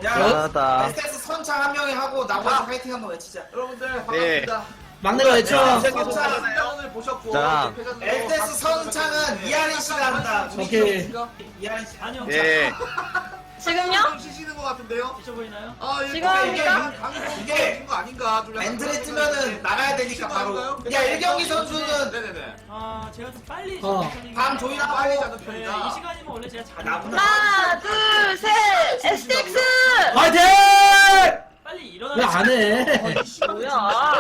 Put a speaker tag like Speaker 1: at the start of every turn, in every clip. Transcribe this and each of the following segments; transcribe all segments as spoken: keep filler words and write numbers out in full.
Speaker 1: 대단하다.
Speaker 2: 에스테스 선창 한 명이 하고 나머지 파이팅 한번 외치자.
Speaker 3: 여러분들
Speaker 4: 네.
Speaker 3: 반갑습니다.
Speaker 5: 막내가 외쳐.
Speaker 3: 선창 선창을 보셨고
Speaker 1: 자.
Speaker 2: 에스테스 선창은 이하린 씨가 한다.
Speaker 5: 오케이.
Speaker 2: 이하린 씨.
Speaker 6: 아니요.
Speaker 4: 네.
Speaker 7: 지금요?
Speaker 3: 좀 쉬시는 것 같은데요?
Speaker 6: 드셔 보이나요?
Speaker 3: 아 이게
Speaker 7: 지금
Speaker 3: 이게
Speaker 7: 합니까?
Speaker 3: 강성
Speaker 2: 이게
Speaker 3: 이게 거 아닌가? 좀 약간
Speaker 2: 엔트리
Speaker 3: 그런
Speaker 2: 뜨면은
Speaker 3: 생각이
Speaker 2: 나가야 되니까 바로. 야 일경기 선수는
Speaker 3: 네네네.
Speaker 6: 아 제가 좀 빨리
Speaker 5: 어.
Speaker 6: 시작하는 편이긴
Speaker 2: 밤
Speaker 6: 해요.
Speaker 2: 조이나
Speaker 3: 빨리
Speaker 2: 빨리
Speaker 3: 자는
Speaker 6: 네,
Speaker 3: 편이다.
Speaker 6: 이 시간이면 원래 제가 잘
Speaker 2: 나보다
Speaker 7: 하나, 둘, 셋! 에스티엑스!
Speaker 5: 화이팅!
Speaker 6: 빨리 일어나.
Speaker 5: 왜 안 해?
Speaker 7: 뭐야?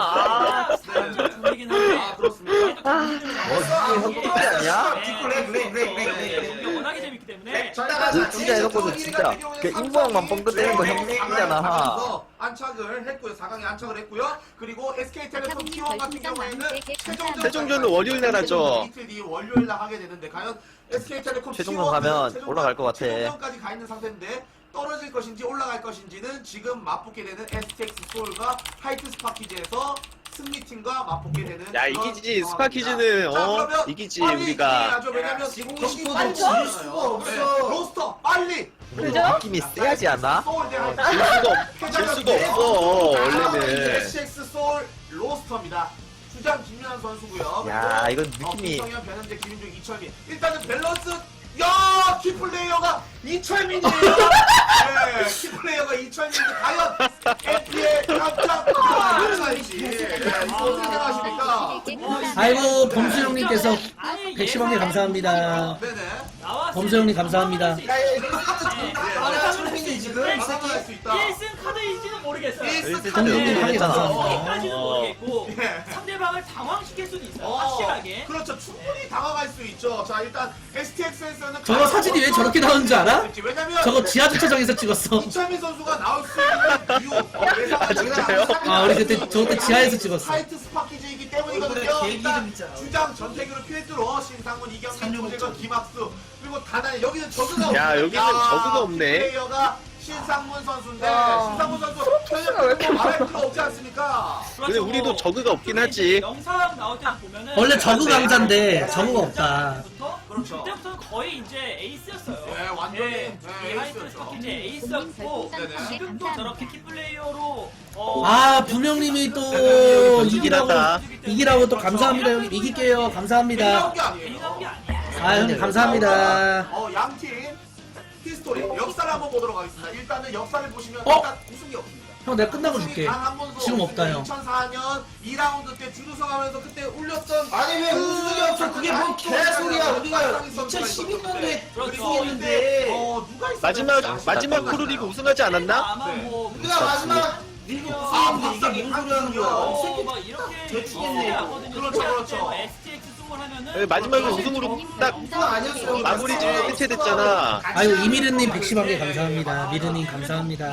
Speaker 7: 아,
Speaker 6: 분이긴 한데.
Speaker 3: 아 그렇습니다.
Speaker 1: 어, 이게 형님이 아니야?
Speaker 2: 뒷골 렉, 렉, 렉, 렉, 렉.
Speaker 6: 이게 워낙에 재밌기 때문에.
Speaker 1: 그 진짜 해놓고서 진짜 그 인구왕만 뻥끗대는 거 형님이잖아.
Speaker 3: 안착을 했고요. 사 강에 안착을 했고요. 그리고 에스케이텔레콤 티 원 같은 경우에는 최종전
Speaker 4: 최종전은 월요일 날 하죠.
Speaker 3: 이틀 뒤 월요일 날 하게 되는데 과연 에스케이텔레콤
Speaker 1: 최종전 가면 올라갈 것 같아.
Speaker 3: 최종전까지 가 있는 상태인데 떨어질 것인지 올라갈 것인지는 지금 맞붙게 되는 에스티엑스 소울과 하이트 스파키즈에서 승리팀과 맞붙게 되는
Speaker 4: 야,
Speaker 3: 그런
Speaker 4: 이기지.
Speaker 3: 상황입니다.
Speaker 4: 스파키즈는,
Speaker 3: 자,
Speaker 4: 어,
Speaker 3: 그러면
Speaker 4: 이기지,
Speaker 3: 빨리
Speaker 4: 우리가.
Speaker 3: 진행하죠. 왜냐면
Speaker 2: 지고
Speaker 3: 경기
Speaker 2: 싶어도
Speaker 3: 빨리
Speaker 2: 질
Speaker 3: 하잖아요.
Speaker 2: 수가
Speaker 3: 네,
Speaker 2: 없어.
Speaker 3: 로스터 빨리
Speaker 7: 그죠?
Speaker 1: 느낌이 세야지 않아?
Speaker 3: 소울 대
Speaker 4: 질
Speaker 3: 하이트.
Speaker 4: 수가 없, 질 수가 없어, 원래는.
Speaker 3: 에스엑스 소울 로스터입니다. 주장 김윤환 선수고요.
Speaker 1: 야,
Speaker 3: 그리고,
Speaker 1: 이건 느낌이-
Speaker 3: 어, 김성현, 변현재, 김민중, 이철민. 일단은 밸런스. 야, 키플레이어가 이철민이에요. 네, 키플레이어가 이철민인데 과연 에프피에 깜짝 놀랄지. 네, 이거 어떻게 생각하십니까?
Speaker 5: 아이고 범수 형님께서
Speaker 6: 아니,
Speaker 5: 백십 원 감사합니다.
Speaker 3: 네네.
Speaker 6: 나왔을
Speaker 5: 범수 형님
Speaker 6: 때
Speaker 5: 감사합니다.
Speaker 6: 상황할 수 있어요.
Speaker 2: 야, 이거 하나 출신이 지금 이
Speaker 3: 상황할 수
Speaker 2: 새끼.
Speaker 3: 있다.
Speaker 6: 일 승 카드일지는 모르겠어요.
Speaker 3: 일 승
Speaker 1: 일승
Speaker 3: 카드.
Speaker 1: 형님
Speaker 5: 네,
Speaker 1: 했잖아.
Speaker 5: 감사합니다.
Speaker 6: 까지는
Speaker 4: 어.
Speaker 6: 모르겠고
Speaker 3: 예.
Speaker 6: 상대방을 당황시킬 수는 있어요.
Speaker 3: 어,
Speaker 6: 확실하게.
Speaker 3: 그렇죠. 충분히 당황할 수 있죠. 자, 일단 에스티엑스에서는
Speaker 5: 저거 사진이 왜 저렇게 나오는 줄 알아?
Speaker 3: 왜냐면
Speaker 5: 저거 지하 주차장에서 찍었어.
Speaker 3: 이철민 선수가 나올 수 있는 이유 어, 예상하지
Speaker 4: 진짜요?
Speaker 5: 아 우리 그때 저 그때 지하에서 찍었어.
Speaker 3: 하이트 스파키즈이기
Speaker 2: 얼굴에
Speaker 3: 때문이거든요.
Speaker 2: 계획
Speaker 3: 일단
Speaker 2: 이름 있잖아.
Speaker 3: 주장 전태규를 필두로 신상문, 이경민,
Speaker 2: 삼육오
Speaker 3: 조재건, 김학수 그리고 다나 여기는 저그가
Speaker 4: 야,
Speaker 3: 없네.
Speaker 4: 여기는 저그가 없네.
Speaker 3: 플레이어가 신상문 선수인데
Speaker 7: 야.
Speaker 3: 신상문 선수
Speaker 7: 프로토스가 왜 이렇게
Speaker 3: 말할 필요 없지 않습니까?
Speaker 4: 근데 우리도 저그가 없긴 하지.
Speaker 6: 영상 나올 때 보면은
Speaker 5: 원래 저그 강자인데 저그가 없다.
Speaker 3: 그렇죠.
Speaker 6: 그때부터는 거의 이제 에이스였어요.
Speaker 3: 네, 완전히,
Speaker 6: 예,
Speaker 3: 네,
Speaker 6: 이 하이트
Speaker 3: 에이스였죠.
Speaker 6: 스파키 이제 에이스였고
Speaker 3: 네네.
Speaker 6: 지금도 저렇게 키플레이어로 어,
Speaker 5: 아 분명님이 또 이기라고 이기라고 또 감사합니다 형님. 이길게요
Speaker 3: 나온
Speaker 5: 감사합니다.
Speaker 3: 게
Speaker 6: 괜히 나온 게
Speaker 3: 아니에요.
Speaker 6: 아니야.
Speaker 5: 아 형님 감사합니다.
Speaker 3: 어, 양팀 히스토리 역사를 한번 보도록 하겠습니다. 일단은 역사를 보시면
Speaker 5: 어?
Speaker 3: 일단 우승이 없습니다.
Speaker 5: 형 내가 끝나고 줄게. 지금 없다 형.
Speaker 3: 이천사 년 이 라운드 때 주루성 하면서 그때 울렸던
Speaker 2: 아니 왜 우승이 없어? 그게 뭔 개소리야? 우리가
Speaker 3: 선수가
Speaker 2: 이천십이 년도에
Speaker 6: 그렇죠.
Speaker 2: 우승했는데
Speaker 3: 어, 누가 있었는지
Speaker 4: 마지막,
Speaker 3: 아시죠?
Speaker 4: 마지막 프로리그 우승하지 않았나?
Speaker 6: 아마
Speaker 3: 네.
Speaker 6: 뭐
Speaker 2: 우리가 마지막 리그 우승했는데 이게 뭔 소리 하는 거야?
Speaker 6: 어,
Speaker 2: 이 새끼
Speaker 6: 막 이렇게
Speaker 2: 대충이네.
Speaker 6: 하거든요.
Speaker 3: 그렇죠, 그렇죠.
Speaker 6: 에스티엑스 승을 하면은
Speaker 4: 네, 마지막에 우승으로 딱
Speaker 2: 우승 아니었어.
Speaker 4: 마무리 지을 해체됐잖아.
Speaker 5: 아이고 이미르님 백십 원 개 감사합니다. 미르님 감사합니다.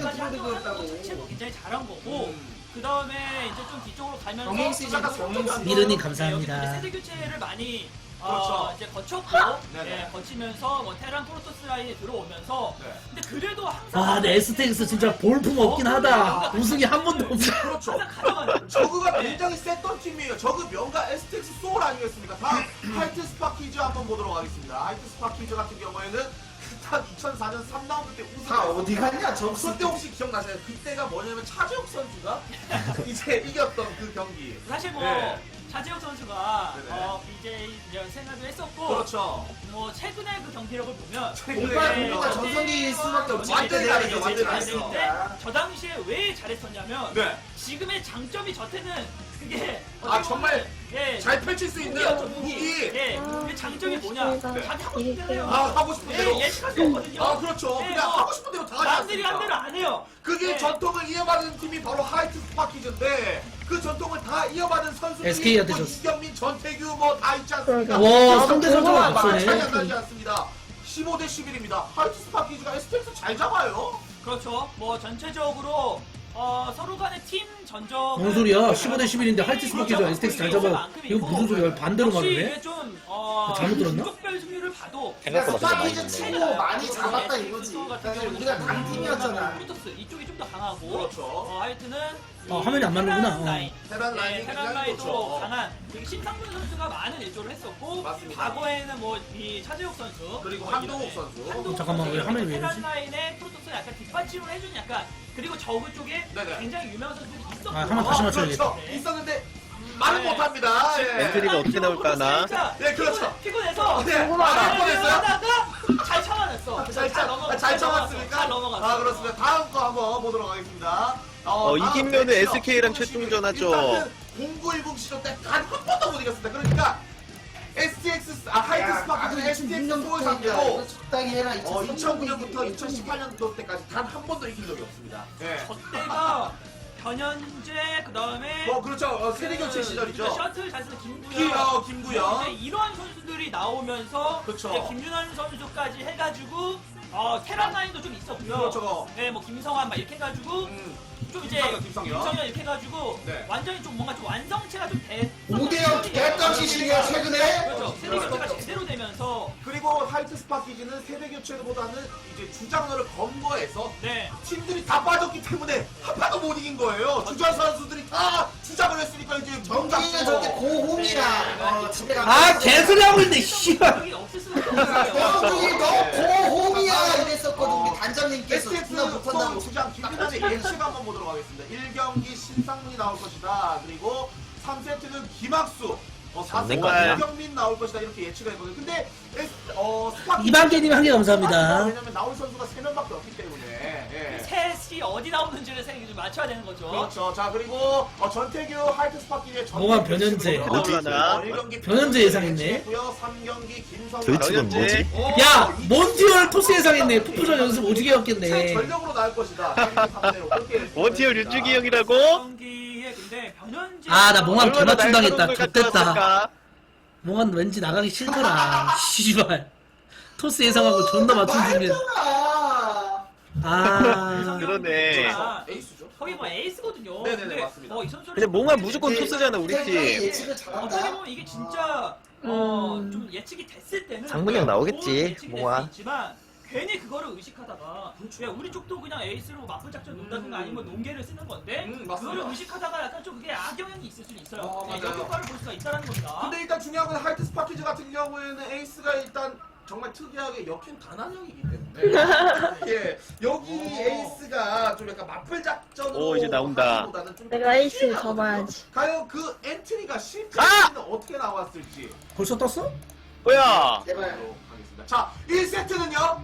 Speaker 6: 자체도 굉장히 잘한 거고 그 다음에 이제 좀 뒤쪽으로 가면서
Speaker 2: 경행 시즌, 경행 시즌.
Speaker 5: 미르님 감사합니다.
Speaker 6: 여기 세대 교체를 많이
Speaker 3: 그렇죠.
Speaker 6: 어, 이제 거쳤고
Speaker 3: 네네.
Speaker 6: 예, 거치면서 뭐 테란 프로토스 라인에 들어오면서
Speaker 3: 네.
Speaker 6: 근데 그래도 항상
Speaker 5: 아 근데 에스텍스 진짜 볼품 없긴 하다. 우승이 한 번도 없어.
Speaker 3: 그렇죠.
Speaker 6: 항상 가져가는
Speaker 3: 저그가 굉장히 셌던 팀이에요. 저그 명가 에스텍스 소울 아니겠습니까? 다음 하이트 스파키즈 한번 보도록 하겠습니다. 하이트 스파키즈 같은 경우에는 일단 이천사 년 삼 라운드 때 우승.
Speaker 2: 다 어디 갔냐? 점수
Speaker 3: 그때 혹시 기억나세요? 그때가 뭐냐면 차재욱 선수가 이제 이겼던 그 경기.
Speaker 6: 사실 뭐
Speaker 3: 네.
Speaker 6: 차재욱 선수가
Speaker 3: 네네.
Speaker 6: 어, 비제이 이제 생활도 했었고
Speaker 3: 그렇죠.
Speaker 6: 뭐 최근에 그 경기력을 보면
Speaker 2: 공팔
Speaker 6: 네.
Speaker 2: 공팔 전성기일 수밖에 없지.
Speaker 3: 완전히
Speaker 2: 그때
Speaker 3: 다르죠,
Speaker 2: 내가
Speaker 3: 완전히
Speaker 2: 이제
Speaker 3: 다르죠.
Speaker 2: 잘했어.
Speaker 6: 근데 저 당시에 왜 잘했었냐면
Speaker 3: 네.
Speaker 6: 지금의 장점이 저때는 그게
Speaker 3: 아, 정말
Speaker 6: 예,
Speaker 3: 잘 펼칠 수 있는
Speaker 6: 무기였죠,
Speaker 3: 무기.
Speaker 6: 예, 그 장점이 뭐냐? 자기 하고 싶은 대로
Speaker 3: 아, 하고 싶은
Speaker 6: 예,
Speaker 3: 대로.
Speaker 6: 예측할 수 없거든요.
Speaker 3: 아, 그렇죠.
Speaker 6: 예,
Speaker 3: 그냥
Speaker 6: 뭐
Speaker 3: 하고 싶은 대로 다 하지
Speaker 6: 남들이 한 대로
Speaker 3: 않습니까?
Speaker 6: 안 해요.
Speaker 3: 그게
Speaker 6: 예.
Speaker 3: 전통을 이어받은 팀이 바로 하이트 스파키즈인데 그 전통을 다 이어받은 선수들이
Speaker 5: 에스케이한테
Speaker 3: 뭐
Speaker 5: 졌어.
Speaker 3: 이경민, 전태규 뭐 다 있지 않습니까?
Speaker 5: 와 상대 선수가
Speaker 3: 차이 안
Speaker 5: 앞서네.
Speaker 3: 나지 않습니다. 십오 대 십일입니다. 하이트 스파키즈가 에스텍스 잘 잡아요.
Speaker 6: 그렇죠. 뭐 전체적으로 어, 서로 간의 팀 전적
Speaker 5: 뭔 소리야? 십오 대 십일인데 할티스 바퀴죠. 에스텍스 잘 잡아. 이거 무슨 소리야? 반대로
Speaker 6: 역시
Speaker 5: 말하네.
Speaker 6: 이게 좀 어,
Speaker 5: 잘못 들었나?
Speaker 6: 종족별 승률을 봐도
Speaker 1: 생각보다 진짜 많이
Speaker 2: 스파키즈
Speaker 1: 있네.
Speaker 2: 치고 많이 잡았다 이거지. 사실 우리가 강팀이었잖아.
Speaker 6: 프로토스 이쪽이 좀 더 강하고
Speaker 3: 그렇죠.
Speaker 6: 어, 하여튼은
Speaker 5: 어, 화면이 안 맞는구나.
Speaker 6: 테란
Speaker 5: 어.
Speaker 6: 라인.
Speaker 3: 테란
Speaker 6: 네,
Speaker 3: 라인이
Speaker 6: 테란
Speaker 3: 굉장히
Speaker 6: 라인도
Speaker 3: 좋죠.
Speaker 6: 강한 되게 심상문 선수가 많은 일조를 했었고
Speaker 3: 맞습니다.
Speaker 6: 과거에는 뭐 이 차재욱 선수
Speaker 3: 그리고
Speaker 6: 뭐
Speaker 3: 한동욱
Speaker 6: 이런-
Speaker 3: 선수.
Speaker 6: 한동욱
Speaker 5: 잠깐만, 왜
Speaker 6: 선수,
Speaker 5: 화면이 왜
Speaker 6: 테란
Speaker 5: 이러지?
Speaker 6: 라인의 프로토스 약간 뒷받침 중심으로 해주는 약간 그리고 저그 쪽에
Speaker 3: 네네.
Speaker 6: 굉장히 유명한 선수들이 있었고
Speaker 5: 아, 한번 다시 맞춰야겠다.
Speaker 3: 그렇죠. 있었는데 말은
Speaker 6: 네.
Speaker 3: 못합니다. 예.
Speaker 4: 엔트리가 어떻게 나올까나?
Speaker 3: 네, 그렇죠.
Speaker 6: 피곤해서
Speaker 3: 네.
Speaker 7: 궁금하다.
Speaker 3: 아, 뻔했어요?
Speaker 6: 하다가 잘 참아냈어.
Speaker 3: 잘,
Speaker 6: 잘
Speaker 3: 잘,
Speaker 6: 넘어갔어.
Speaker 3: 잘 참았습니까?
Speaker 6: 잘 넘어갔어.
Speaker 3: 아, 그렇습니다. 다음 거 한번 보도록 하겠습니다.
Speaker 4: 어,
Speaker 3: 다음
Speaker 4: 이기면은
Speaker 3: 매치요.
Speaker 4: 에스케이랑 최종전 하죠.
Speaker 3: 일단은 공구일공 시즌 때 단 한 번도 못 이겼습니다. 그러니까 에스티엑스, 아, 하이트 스파크는 에스티엑스 소울 상대로
Speaker 2: 적당히 해라.
Speaker 3: 어, 이천구 년부터 이천십팔 년도 때까지 단 한 번도 이긴 적이 없습니다. 예.
Speaker 6: 저때가 변현재 그 다음에
Speaker 3: 뭐, 그렇죠. 어, 세대 교체 시절이죠.
Speaker 6: 셔틀 잘 쓰는 김구현.
Speaker 3: 기, 어, 김구현.
Speaker 6: 이제 이러한 선수들이 나오면서
Speaker 3: 그쵸.
Speaker 6: 이제 김윤환 선수까지 해가지고 어, 테란 라인도 좀 있었고요.
Speaker 3: 그렇죠.
Speaker 6: 네, 뭐 김성환 막 이렇게 해가지고
Speaker 3: 음.
Speaker 6: 좀 이제
Speaker 3: 김성현, 김성현.
Speaker 6: 이렇게 해가지고
Speaker 3: 네.
Speaker 6: 완전히 좀 뭔가 좀 완성체가 좀 돼.
Speaker 2: 오 대 영 됐던 시즌이야 최근에.
Speaker 6: 그렇죠. 세대 교체가 제대로 되면서
Speaker 3: 그리고 하이트 스파키즈는 세대 교체보다는 이제 주장러를 검거해서
Speaker 6: 네.
Speaker 3: 팀들이 다 빠졌기 때문에 한 판도 못 이긴 거예요. 주전 선수들이 다 주장을 했으니까 이제
Speaker 2: 정기는 저렇게 고홈이라. 어, 집에 가면.
Speaker 5: 아 개소리 하고 있네 씨발.
Speaker 6: 여기 없을 수가 없어요.
Speaker 2: 병준이 너 고홈이야 이랬었거든 우리 단장님께서
Speaker 3: 에스티엑스
Speaker 2: 존나 못한다고.
Speaker 3: 서울 주장 김민환의 예측 한번 보도록 하겠습니다. 일 경기 신상문이 나올 것이다. 그리고 삼 세트는 김학수, 어, 사
Speaker 1: 안 될
Speaker 3: 세트
Speaker 1: 거 아니야.
Speaker 3: 이경민 나올 것이다. 이렇게 예측을 했거든요. 근데 에스, 어, 스파키
Speaker 5: 이방개님 한 개 감사합니다.
Speaker 3: 왜냐면 나올 선수가 세 명밖에 없기 때문에. 예.
Speaker 6: 셋이 어디 나오는지를 생각 좀 맞춰야 되는 거죠.
Speaker 3: 그렇죠. 자, 그리고 어, 전태규 하이트 스파키의 전
Speaker 5: 뭐가 변현재.
Speaker 4: 나올라나?
Speaker 5: 변현재 예상했네.
Speaker 3: 삼 경기 김성현.
Speaker 1: 도이치는 뭐지?
Speaker 5: 야 몬티얼 토스 예상했네. 푸푸전 연습 오지게
Speaker 3: 새
Speaker 5: 했겠네.
Speaker 3: 전력으로 나올 것이다. 삼 대로 그렇게
Speaker 4: 원티어 윤중이 형이라고?
Speaker 6: 경기에 근데 변현재
Speaker 5: 아 나 몽환
Speaker 4: 얼마나
Speaker 5: 개맞춤 당했다.
Speaker 4: 날카로운 걸
Speaker 5: 좋됐다.
Speaker 4: 가져왔을까?
Speaker 5: 몽환 왠지 나가기 싫더라. 씨발. 토스 예상하고 존나 맞춤 준비.
Speaker 2: 말했잖아.
Speaker 5: 아.
Speaker 4: 그러네.
Speaker 3: 에이스죠.
Speaker 6: 거기 뭐 에이스거든요.
Speaker 3: 네네네,
Speaker 6: 근데
Speaker 3: 맞습니다.
Speaker 6: 어, 이 선수를
Speaker 4: 근데 몽환 무조건 토스잖아 우리 팀.
Speaker 2: 예측을
Speaker 6: 어떻게
Speaker 2: 잘한다.
Speaker 6: 보면 이게 진짜 어, 좀 예측이 됐을 때는
Speaker 1: 상문이 형 나오겠지,
Speaker 6: 좋은 예측이 될수
Speaker 1: 몽환.
Speaker 6: 있지만 괜히 그거를 의식하다가 야, 우리 쪽도 그냥 에이스로 맞불 작전 논다든가 아니면 논계를 쓰는 건데
Speaker 3: 음, 맞습니다.
Speaker 6: 그거를 의식하다가 약간 좀 그게 악영향이 있을 수는 있어요.
Speaker 3: 어,
Speaker 6: 네,
Speaker 3: 맞아요.
Speaker 6: 역효과를 볼 수가 있다는 겁니다.
Speaker 3: 근데 일단 중요한 건 하이트 스파키즈 같은 경우에는 에이스가 일단 정말 특이하게 역행 단한형이기 때문에 예 여기 에이스가 좀 약간 맞불 작전으로
Speaker 4: 오, 이제 나온다.
Speaker 3: 하기보다는 좀
Speaker 7: 내가 에이스
Speaker 3: 실패하거든요.
Speaker 7: 접어야지.
Speaker 3: 과연 그 엔트리가
Speaker 4: 아!
Speaker 3: 실패는 어떻게 나왔을지
Speaker 5: 벌써 떴어?
Speaker 4: 뭐야?
Speaker 2: 제발.
Speaker 3: 보도록 하겠습니다. 자, 일 세트는요.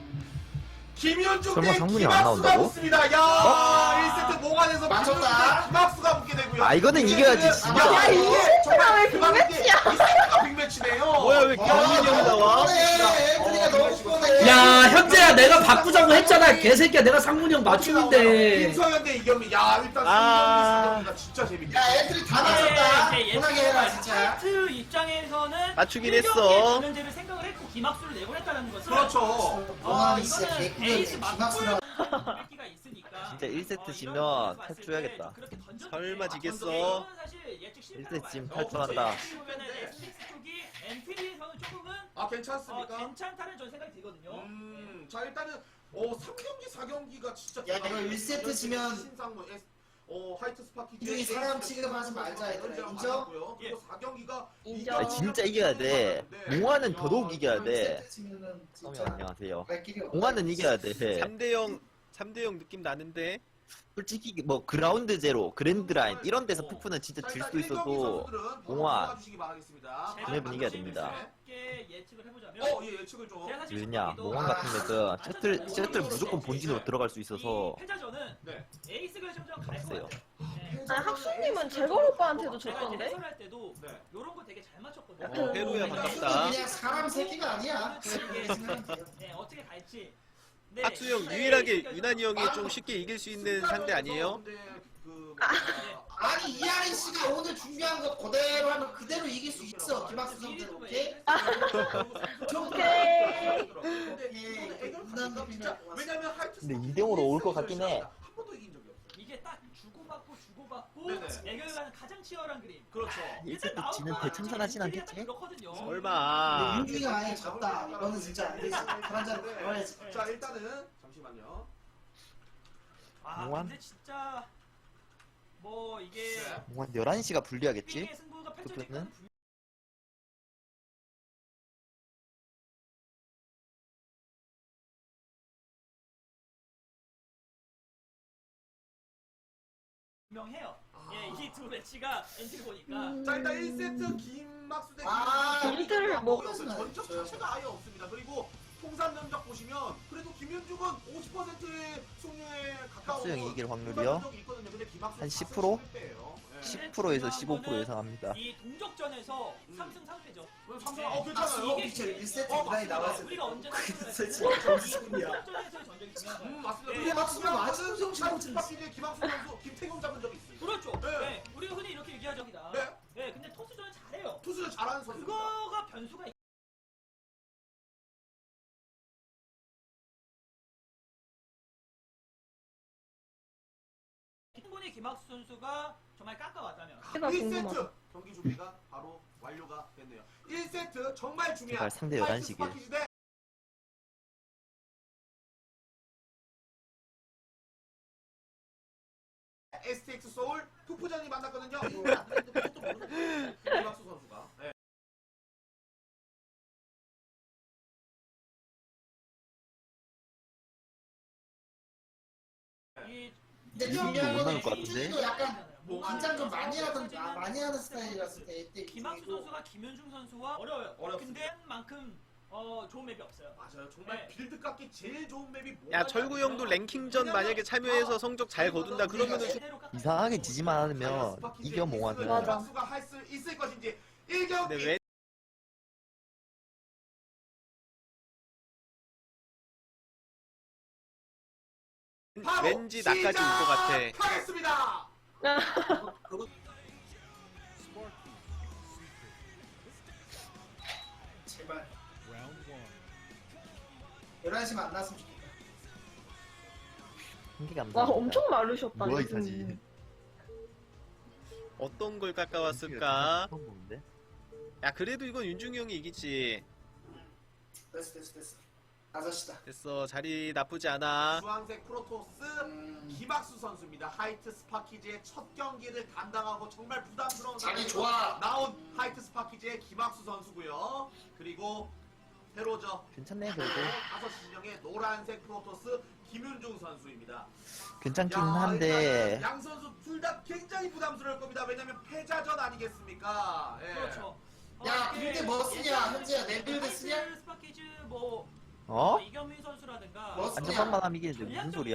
Speaker 3: 김현중
Speaker 1: 설마
Speaker 3: 대
Speaker 1: 상문이 안
Speaker 3: 김학수가
Speaker 1: 나온다고?
Speaker 3: 붙습니다. 야, 일 세트 모관에서
Speaker 2: 맞췄다.
Speaker 3: 김현중 대 김학수가 붙게 되고요.
Speaker 1: 아, 이거는 이겨야지, 진짜.
Speaker 3: 야, 이게
Speaker 7: 세트가 왜
Speaker 3: 정말
Speaker 7: 빅매치야?
Speaker 3: 이 세트가 빅매치네요.
Speaker 4: 뭐야 왜 경민이 형이 나와?
Speaker 2: 엔트리가 너무 뻔해.
Speaker 5: 야 현재야 내가 바꾸자고 했잖아. 개새끼야 내가 상문이 형 맞춤인데.
Speaker 3: 김성현 대 이경민. 야, 일단
Speaker 4: 아.
Speaker 3: 승경이 진짜 재밌네.
Speaker 2: 야 엔트리 다 맞췄다.
Speaker 6: 네, 이제
Speaker 2: 편하게 해라 진짜.
Speaker 6: 하이트 입장에서는
Speaker 4: 맞추긴
Speaker 6: 일 경기에
Speaker 4: 했어.
Speaker 6: 변현재를 생각을 했고 김학수를 내보냈다는 것은
Speaker 3: 그렇죠.
Speaker 2: 와
Speaker 6: 어,
Speaker 2: 진짜
Speaker 6: 이거는
Speaker 2: 개꿀이네.
Speaker 6: 에이스 맞불
Speaker 2: 김학수랑.
Speaker 6: 가 있으니까
Speaker 1: 진짜 일 세트
Speaker 6: 어,
Speaker 1: 지면
Speaker 6: 이런
Speaker 1: 탈
Speaker 6: 봤을
Speaker 1: 줘야겠다.
Speaker 6: 때 그렇게 던졌는데
Speaker 4: 설마
Speaker 6: 아,
Speaker 4: 지겠어?
Speaker 6: 이거는 사실 예측 실패라고
Speaker 1: 일 세트 지면
Speaker 6: 봐야죠.
Speaker 1: 탈출한다.
Speaker 6: 어떻게 보면은 에스엑스 쪽이 엔트리에서는 조금은
Speaker 3: 아,
Speaker 6: 어,
Speaker 3: 괜찮습니까?
Speaker 6: 괜찮다는 전 생각이 들거든요.
Speaker 3: 음, 자 일단은 어 삼 경기 사 경기가 진짜
Speaker 2: 야, 이거 일 세트 지면
Speaker 3: 신상무 에스 어 하이트 스파키
Speaker 2: 이중에 사람 취급하지 말자, 얘들아. 인정?
Speaker 3: 그리고 사 경기가
Speaker 7: 인정.
Speaker 1: 아니, 진짜 이겨야 돼. 몽환은 더더욱 이겨야 돼.
Speaker 2: 일 세트 치면은
Speaker 1: 어머
Speaker 2: 진짜
Speaker 1: 안녕하세요.
Speaker 2: 갈 길이 없다.
Speaker 1: 몽환은 이겨야 돼.
Speaker 4: 삼 대 영 삼 대 영 느낌 나는데.
Speaker 1: 솔직히 뭐 그라운드 제로, 그랜드 라인 이런 데서 푸푸는 진짜 질 수도 있어도 몽환 맵은 이겨야 됩니다.
Speaker 6: 쉽게 예측을 해보자면
Speaker 3: 어, 예, 예측을 좀.
Speaker 6: 제가 사실
Speaker 1: 왜냐
Speaker 6: 첫 경기도
Speaker 1: 몽환 같은 맵은 셔틀 셔틀 무조건 본진으로 들어갈 수 있어서
Speaker 6: 이 패자전은
Speaker 3: 네.
Speaker 6: 에이스 결정전 갈것
Speaker 1: 없어요.
Speaker 6: 같아요. 네.
Speaker 7: 아니 학수님은 제걸 오빠한테도
Speaker 6: 제가 이제
Speaker 7: 졌던데?
Speaker 6: 해설할 때도
Speaker 3: 네.
Speaker 6: 요런 거 되게 잘 맞췄거든요.
Speaker 4: 어, 페루야
Speaker 2: 그냥
Speaker 4: 반갑다.
Speaker 2: 그냥 사람 새끼가 아니야.
Speaker 6: 이게
Speaker 2: 생각하면 돼요.
Speaker 6: 네, 어떻게 갈지. 네,
Speaker 4: 학수 형
Speaker 6: 네,
Speaker 4: 유일하게
Speaker 6: 에이스
Speaker 4: 유난히 형이 좀 쉽게 이길 수 있는 상대 아니에요?
Speaker 3: 그,
Speaker 2: 아니 이하린 씨가 오늘 준비한 거 그대로 하면 그대로 이길 수 있어. 김학수 선수 오케이?
Speaker 7: 오케이.
Speaker 3: 왜냐면 하이트
Speaker 1: 근데 이 대 영으로 올 것 같긴 해.
Speaker 3: 한 번도 이긴 적이 없어요.
Speaker 6: 이게 딱 주고받고 주고받고
Speaker 3: 네네.
Speaker 6: 애결가는 가장 치열한 그림.
Speaker 3: 그렇죠.
Speaker 1: 일 세트 지는 대참사하진 않겠지?
Speaker 6: 그렇거든요.
Speaker 4: 설마.
Speaker 2: 윤중이가 아예 졌다. 이거는 진짜 안 되지. 그런 자를 가야지.
Speaker 3: 자, 일단은 잠시만요.
Speaker 6: 아
Speaker 1: 몽환?
Speaker 6: 근데 진짜 뭐 이게
Speaker 3: 네.
Speaker 1: 몽환 열한 시가 불리하겠지?
Speaker 6: 핑의 승부가 펼쳐질
Speaker 1: 푸푸는?
Speaker 6: 가능성이 분명해요.
Speaker 3: 아.
Speaker 6: 예, 이 두 매치가 엔트리 보니까.
Speaker 7: 음.
Speaker 3: 자 일단 일 세트 김학수 대
Speaker 2: 아,
Speaker 3: 김윤중
Speaker 7: 일대를 뭐-
Speaker 3: 전적 자체가 아예 없습니다. 그리고 통산 면적 보시면 그래도 김윤중은 오십 퍼센트의 승률에 가까운
Speaker 1: 학수형이 이길 확률이요?
Speaker 3: 통산 면적이 있거든요. 근데 김학수는
Speaker 1: 한 십 퍼센트?
Speaker 3: 십일 배예요. 예.
Speaker 1: 십 퍼센트에서 십오 퍼센트 예상합니다.
Speaker 6: 이 동족전에서
Speaker 3: 음.
Speaker 6: 삼 승 삼 패죠.
Speaker 3: 그럼 삼성
Speaker 6: 네.
Speaker 3: 어 괜찮아요.
Speaker 6: 이게-
Speaker 2: 피처 일 세트
Speaker 3: 어,
Speaker 2: 무난히
Speaker 3: 맞습니다.
Speaker 2: 나왔을 때
Speaker 6: 우리가 언제나
Speaker 2: 그래서
Speaker 6: 이
Speaker 2: 진짜 정수야.
Speaker 6: 동족전에서의 전적이 중요한 거예요.
Speaker 3: 음 맞습니다.
Speaker 6: 네.
Speaker 3: 그리고
Speaker 2: 박수가
Speaker 3: 박수는
Speaker 2: 맞은 정신 못 차렸어.
Speaker 3: 스파키즈의 김학수 선수 김태경 잡은 적이 있어요.
Speaker 6: 그렇죠.
Speaker 3: 네.
Speaker 6: 네. 우리가 흔히 이렇게 얘기하죠.
Speaker 3: 네.
Speaker 6: 네, 근데 토스전은 잘해요.
Speaker 3: 투수를 잘하는 선수입니다.
Speaker 6: 그거가 변수가 있- 충분히 김학수 선수가 정말 깎아왔다면
Speaker 7: 제가
Speaker 3: 일 세트
Speaker 7: 궁금하다.
Speaker 3: 경기 준비가 바로 완료가 됐네요. 일 세트 정말 중요한
Speaker 1: 제발 상대
Speaker 3: 화이트
Speaker 1: 열한 시길.
Speaker 3: 스파키즈 대 에스티엑스 소울 투프전이 만났거든요. 그것도 모르는 김학수 선수가. 네.
Speaker 6: 이
Speaker 2: 근데
Speaker 1: 이분도
Speaker 2: 중요한
Speaker 1: 못
Speaker 2: 건
Speaker 1: 나올 것 같은데?
Speaker 2: 김윤중도 약간
Speaker 6: 뭐
Speaker 2: 긴장 좀 많이 하던 아, 많이 하는 스타일이라서 때
Speaker 6: 김학수 선수가 김윤중 선수와 어려워요.
Speaker 3: 어렵습니다.
Speaker 6: 근데 만큼 어, 좋은 맵이 없어요.
Speaker 3: 맞아요. 정말
Speaker 6: 네.
Speaker 3: 빌드 깎기 제일 좋은 맵이 뭐가
Speaker 4: 야 철구 형도 랭킹전 만약에 참여해서 성적 잘 거둔다 그러면은 수-
Speaker 6: 제대로 깎아-
Speaker 1: 이상하게 지지만 않으면 이겨 몽환은.
Speaker 7: 맞아.
Speaker 3: 박수가 할 수 있을 것인지 일 경기
Speaker 4: 근데 왜
Speaker 3: 바로
Speaker 4: 왠지 나까지 올 것 같아.
Speaker 3: 시작하겠습니다.
Speaker 2: 제발 열한 시 만났으면 좋겠다.
Speaker 1: 한계가 안
Speaker 7: 와
Speaker 1: 나옵니다.
Speaker 7: 엄청 마르셨다.
Speaker 1: 뭐야 이
Speaker 7: 요즘.
Speaker 1: 사진.
Speaker 4: 어떤 걸 깎아왔을까?
Speaker 1: 처음 보는데?
Speaker 4: 야 그래도 이건 윤중이 형이 이기지.
Speaker 2: 됐어 됐어 됐어. 다섯 시다.
Speaker 4: 됐어 자리 나쁘지 않아.
Speaker 3: 주황색 프로토스
Speaker 2: 음,
Speaker 3: 김학수 선수입니다. 하이트 스파키즈의 첫 경기를 담당하고 정말 부담스러운
Speaker 2: 자기
Speaker 3: 상황에서
Speaker 2: 좋아.
Speaker 3: 나온 하이트 스파키즈의 김학수 선수고요. 그리고 새로죠.
Speaker 1: 괜찮네 그래도.
Speaker 3: 다섯 시 진영의 노란색 프로토스 김윤중 선수입니다.
Speaker 1: 괜찮긴
Speaker 3: 야,
Speaker 1: 한데
Speaker 3: 일단은 양 선수 둘 다 굉장히 부담스러울 겁니다. 왜냐면 패자전 아니겠습니까? 예.
Speaker 6: 그렇죠.
Speaker 2: 야,
Speaker 6: 어, 이게
Speaker 2: 빌드 뭐 쓰냐,
Speaker 6: 예전에는
Speaker 2: 현재야, 내 빌드
Speaker 6: 하이트
Speaker 2: 쓰냐?
Speaker 6: 스파키즈 뭐
Speaker 1: 어?
Speaker 6: 이경민 선수라든가
Speaker 2: 뭐 쓰냐?
Speaker 1: 안전빵만 이기는데 무슨 소리야?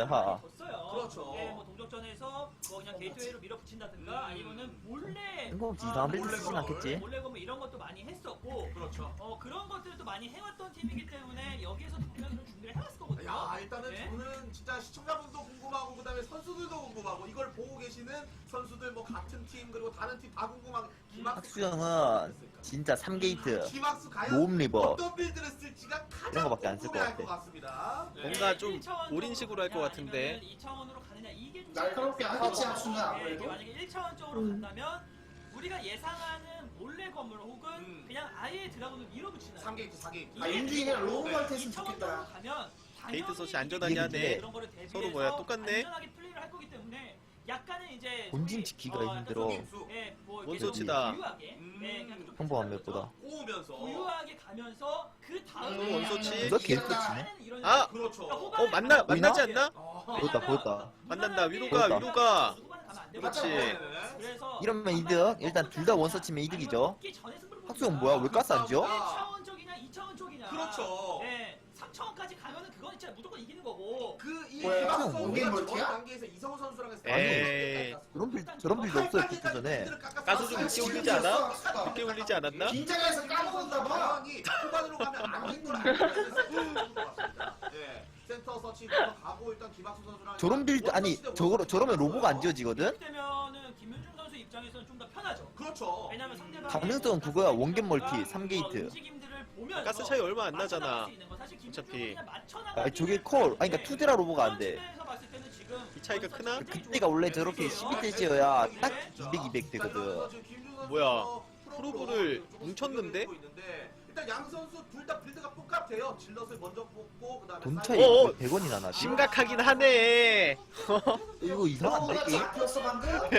Speaker 6: 그렇죠.
Speaker 3: 그렇죠.
Speaker 6: 예, 뭐 동족전에서 뭐 그냥 게이트웨이로 밀어붙인다든가
Speaker 3: 음.
Speaker 6: 아니면은 몰래
Speaker 1: 뜬금없이
Speaker 6: 아,
Speaker 1: 이상한 빌드
Speaker 6: 몰래
Speaker 1: 쓰진
Speaker 6: 거,
Speaker 1: 않겠지?
Speaker 6: 몰래 거뭐 이런 것도 많이 했었고
Speaker 3: 그렇죠.
Speaker 6: 어 그런 것들도 많이 해왔던 팀이기 때문에 여기에서도 분명히 좀 준비를 해왔을 거거든요.
Speaker 3: 야 일단은
Speaker 6: 네.
Speaker 3: 저는 진짜 시청자분도 궁금하고 그다음에 선수들도 궁금하고 이걸 보고 계시는 선수들 뭐 같은 팀 그리고 다른 팀 다 궁금하고 김학수
Speaker 1: 학수형은 진짜 삼 게이트
Speaker 3: 김학수 과연
Speaker 1: 모음 리버
Speaker 3: 어떤 빌드를 쓸지가 가장
Speaker 1: 이런 거밖에 안쓸것
Speaker 3: 궁금해할 것
Speaker 1: 같아.
Speaker 3: 같습니다. 네.
Speaker 4: 뭔가 좀 올인식으로 할 것 같은데.
Speaker 6: 이 차원으로 가느냐 이게 좀
Speaker 2: 날카롭게 하겠지, 학수는
Speaker 6: 예,
Speaker 2: 아무래도.
Speaker 6: 이게 만약에 일 차원적으로
Speaker 7: 음.
Speaker 6: 간다면 우리가 예상하는 몰래 건물 혹은
Speaker 3: 음.
Speaker 6: 그냥 아예 드라군을 밀어붙이는
Speaker 3: 삼 게이트 사 게이트.
Speaker 2: 아, 윤중이가 로우멀 했으면
Speaker 6: 이 차원적으로
Speaker 2: 좋겠다.
Speaker 6: 가면
Speaker 4: 게이트
Speaker 6: 당연히
Speaker 4: 서치 안전하게
Speaker 6: 이게
Speaker 1: 하네.
Speaker 6: 그런 거를 대비해서
Speaker 4: 서로 뭐야, 똑같네?
Speaker 6: 안전하게 플레이를 할 거기 때문에 약간은 이제
Speaker 1: 본진
Speaker 6: 저기,
Speaker 1: 지키기가
Speaker 6: 어, 약간
Speaker 1: 힘들어.
Speaker 6: 좀, 예, 뭐 이렇게
Speaker 4: 원소치다.
Speaker 6: 좀 부유하게,
Speaker 3: 음.
Speaker 6: 예, 그냥 좀
Speaker 1: 평범한
Speaker 6: 비슷한
Speaker 1: 맵보다.
Speaker 6: 거죠.
Speaker 3: 꼬우면서
Speaker 6: 부유하게 가면서 그 다음에
Speaker 4: 음, 원소치.
Speaker 1: 누가 게이트 치네?
Speaker 6: 이런
Speaker 4: 아!
Speaker 3: 그렇죠.
Speaker 4: 어 만나 만나지 않나?
Speaker 3: 어.
Speaker 1: 보였다 보였다.
Speaker 4: 만난다 위로가
Speaker 1: 보였다.
Speaker 4: 위로가.
Speaker 6: 그렇지.
Speaker 3: 네.
Speaker 6: 그래서
Speaker 1: 이러면 이득. 일단 둘 다 원서 치면 이득이죠. 학수형 뭐야 왜 가스 안 지어?
Speaker 6: 일 차원 쪽이냐 이 차원 쪽이냐.
Speaker 3: 그렇죠.
Speaker 6: 예. 삼 차원까지 가면은 그건 진짜 무조건 이기는 거고.
Speaker 3: 그이
Speaker 2: 뭐야,
Speaker 3: 김학수
Speaker 1: 형,
Speaker 3: 선수가
Speaker 2: 원게임
Speaker 3: 저번
Speaker 2: 멀티야?
Speaker 3: 단계에서 이성호 선수랑 했을
Speaker 4: 에이.
Speaker 1: 저런 빌 저런 빌드 없어요 피트 전에.
Speaker 4: 가수 좀 늦게 올리지 않아? 늦게 올리지 않았나?
Speaker 2: 긴장해서 까먹었나 봐.
Speaker 3: 상황이 후반으로 가면 안 되는 걸 알고 있습니다. 예. 센터 서치부터 가고 일단 김학수 선수랑
Speaker 1: 저런 빌드 아니 저거 저러면 로보가 안 지어지거든?
Speaker 6: 그렇기 때문에는 김윤중 선수 입장에서는 좀 더 편하죠.
Speaker 3: 그렇죠.
Speaker 6: 왜냐면 상대방
Speaker 1: 가능성은 그거야. 원겜 멀티 삼 게이트.
Speaker 6: 움직임들을 보면서
Speaker 4: 가스 차이 얼마 안 나잖아.
Speaker 6: 맞춰나갈 수 있는 거. 사실 김윤중은
Speaker 4: 어차피.
Speaker 6: 그냥 맞춰나가기는
Speaker 1: 아 저게 콜 아니 그러니까 투데라 로보가 안 돼.
Speaker 6: 그런 측면에서 봤을 때는 지금
Speaker 4: 이 차이가 크나?
Speaker 1: 그때가 원래 저렇게 십이 대 지어야 딱 이백, 이백 되거든.
Speaker 4: 뭐야, 프로브를 뭉쳤는데?
Speaker 3: 일단 양 선수 둘 다 빌드가 똑같아요. 질럿을 먼저 뽑고 그다음에
Speaker 1: 돈
Speaker 3: 사이드-
Speaker 1: 차이
Speaker 4: 어어.
Speaker 1: 백 원이나 나지.
Speaker 4: 심각하긴 하네.
Speaker 1: 이거 이상한데
Speaker 2: 로우가
Speaker 1: 게임?
Speaker 2: 잡혔어 방금.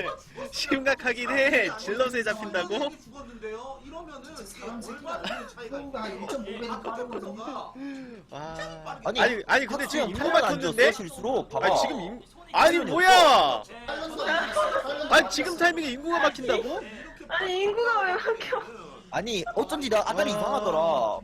Speaker 4: 심각하긴 해. 질럿에 잡힌다고?
Speaker 3: 아, 죽었는데요. 이러면은
Speaker 2: 사람
Speaker 3: 얼마나 큰 차이가
Speaker 2: 로우가
Speaker 3: 있어요.
Speaker 2: 일 점 오 배는
Speaker 3: 아까
Speaker 2: 빠르거든요.
Speaker 3: 저거가
Speaker 4: 와.
Speaker 1: 아니
Speaker 4: 아니 아니 근데 지금
Speaker 1: 학수형
Speaker 4: 인구
Speaker 1: 팔만 안
Speaker 4: 맞췄는데?
Speaker 1: 줬어 실수로 봐봐.
Speaker 4: 아니 지금 인, 아니 뭐야?
Speaker 6: 네,
Speaker 2: 팔년도
Speaker 6: 저는-
Speaker 2: 아니었어요. 팔년도
Speaker 4: 아니 지금 타이밍에 인구가 막힌다고?
Speaker 7: 아니 인구가 왜 바뀌어?
Speaker 1: 아니 어쩐지 나 아다리
Speaker 4: 와.
Speaker 1: 이상하더라.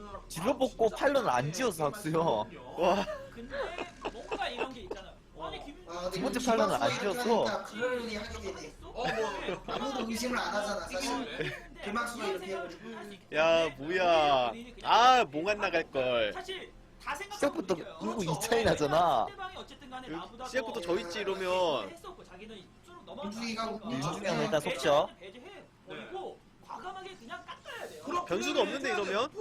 Speaker 1: 질러 뽑고 팔런을 안 지어서 학수요.
Speaker 4: 와.
Speaker 6: 근데 뭔가 이런 게 있잖아요. 아니 김
Speaker 2: 아, 근데
Speaker 1: 두 번째
Speaker 2: 이거
Speaker 1: 팔년은 안
Speaker 2: 김학수가
Speaker 1: 지었어.
Speaker 2: 이렇게 하니까 그럴 일이 하게 되네.
Speaker 3: 어, 뭐.
Speaker 2: 아무도 의심을 안 하잖아, 사실. 김학수가 이렇게 해가지고.
Speaker 4: 야 뭐야? 아 몽안 나갈 걸.
Speaker 6: 사실 다 생각하고
Speaker 1: 시작부터
Speaker 6: 이겨요.
Speaker 1: 인구
Speaker 6: 그렇죠.
Speaker 1: 이 차이 나잖아.
Speaker 6: 상대방이 어쨌든 간에
Speaker 4: 여기
Speaker 6: 나보다
Speaker 4: 시작부터
Speaker 6: 더
Speaker 4: 저 있지 이러면.
Speaker 6: 했었고 자기는 쭉 넘어갔다
Speaker 2: 윤중이가
Speaker 6: 보니까
Speaker 1: 윤중이는 일단 속죠.
Speaker 6: 배제해 버리고 과감하게 그냥 깎아야 돼요.
Speaker 4: 변수도 없는데, 이러면?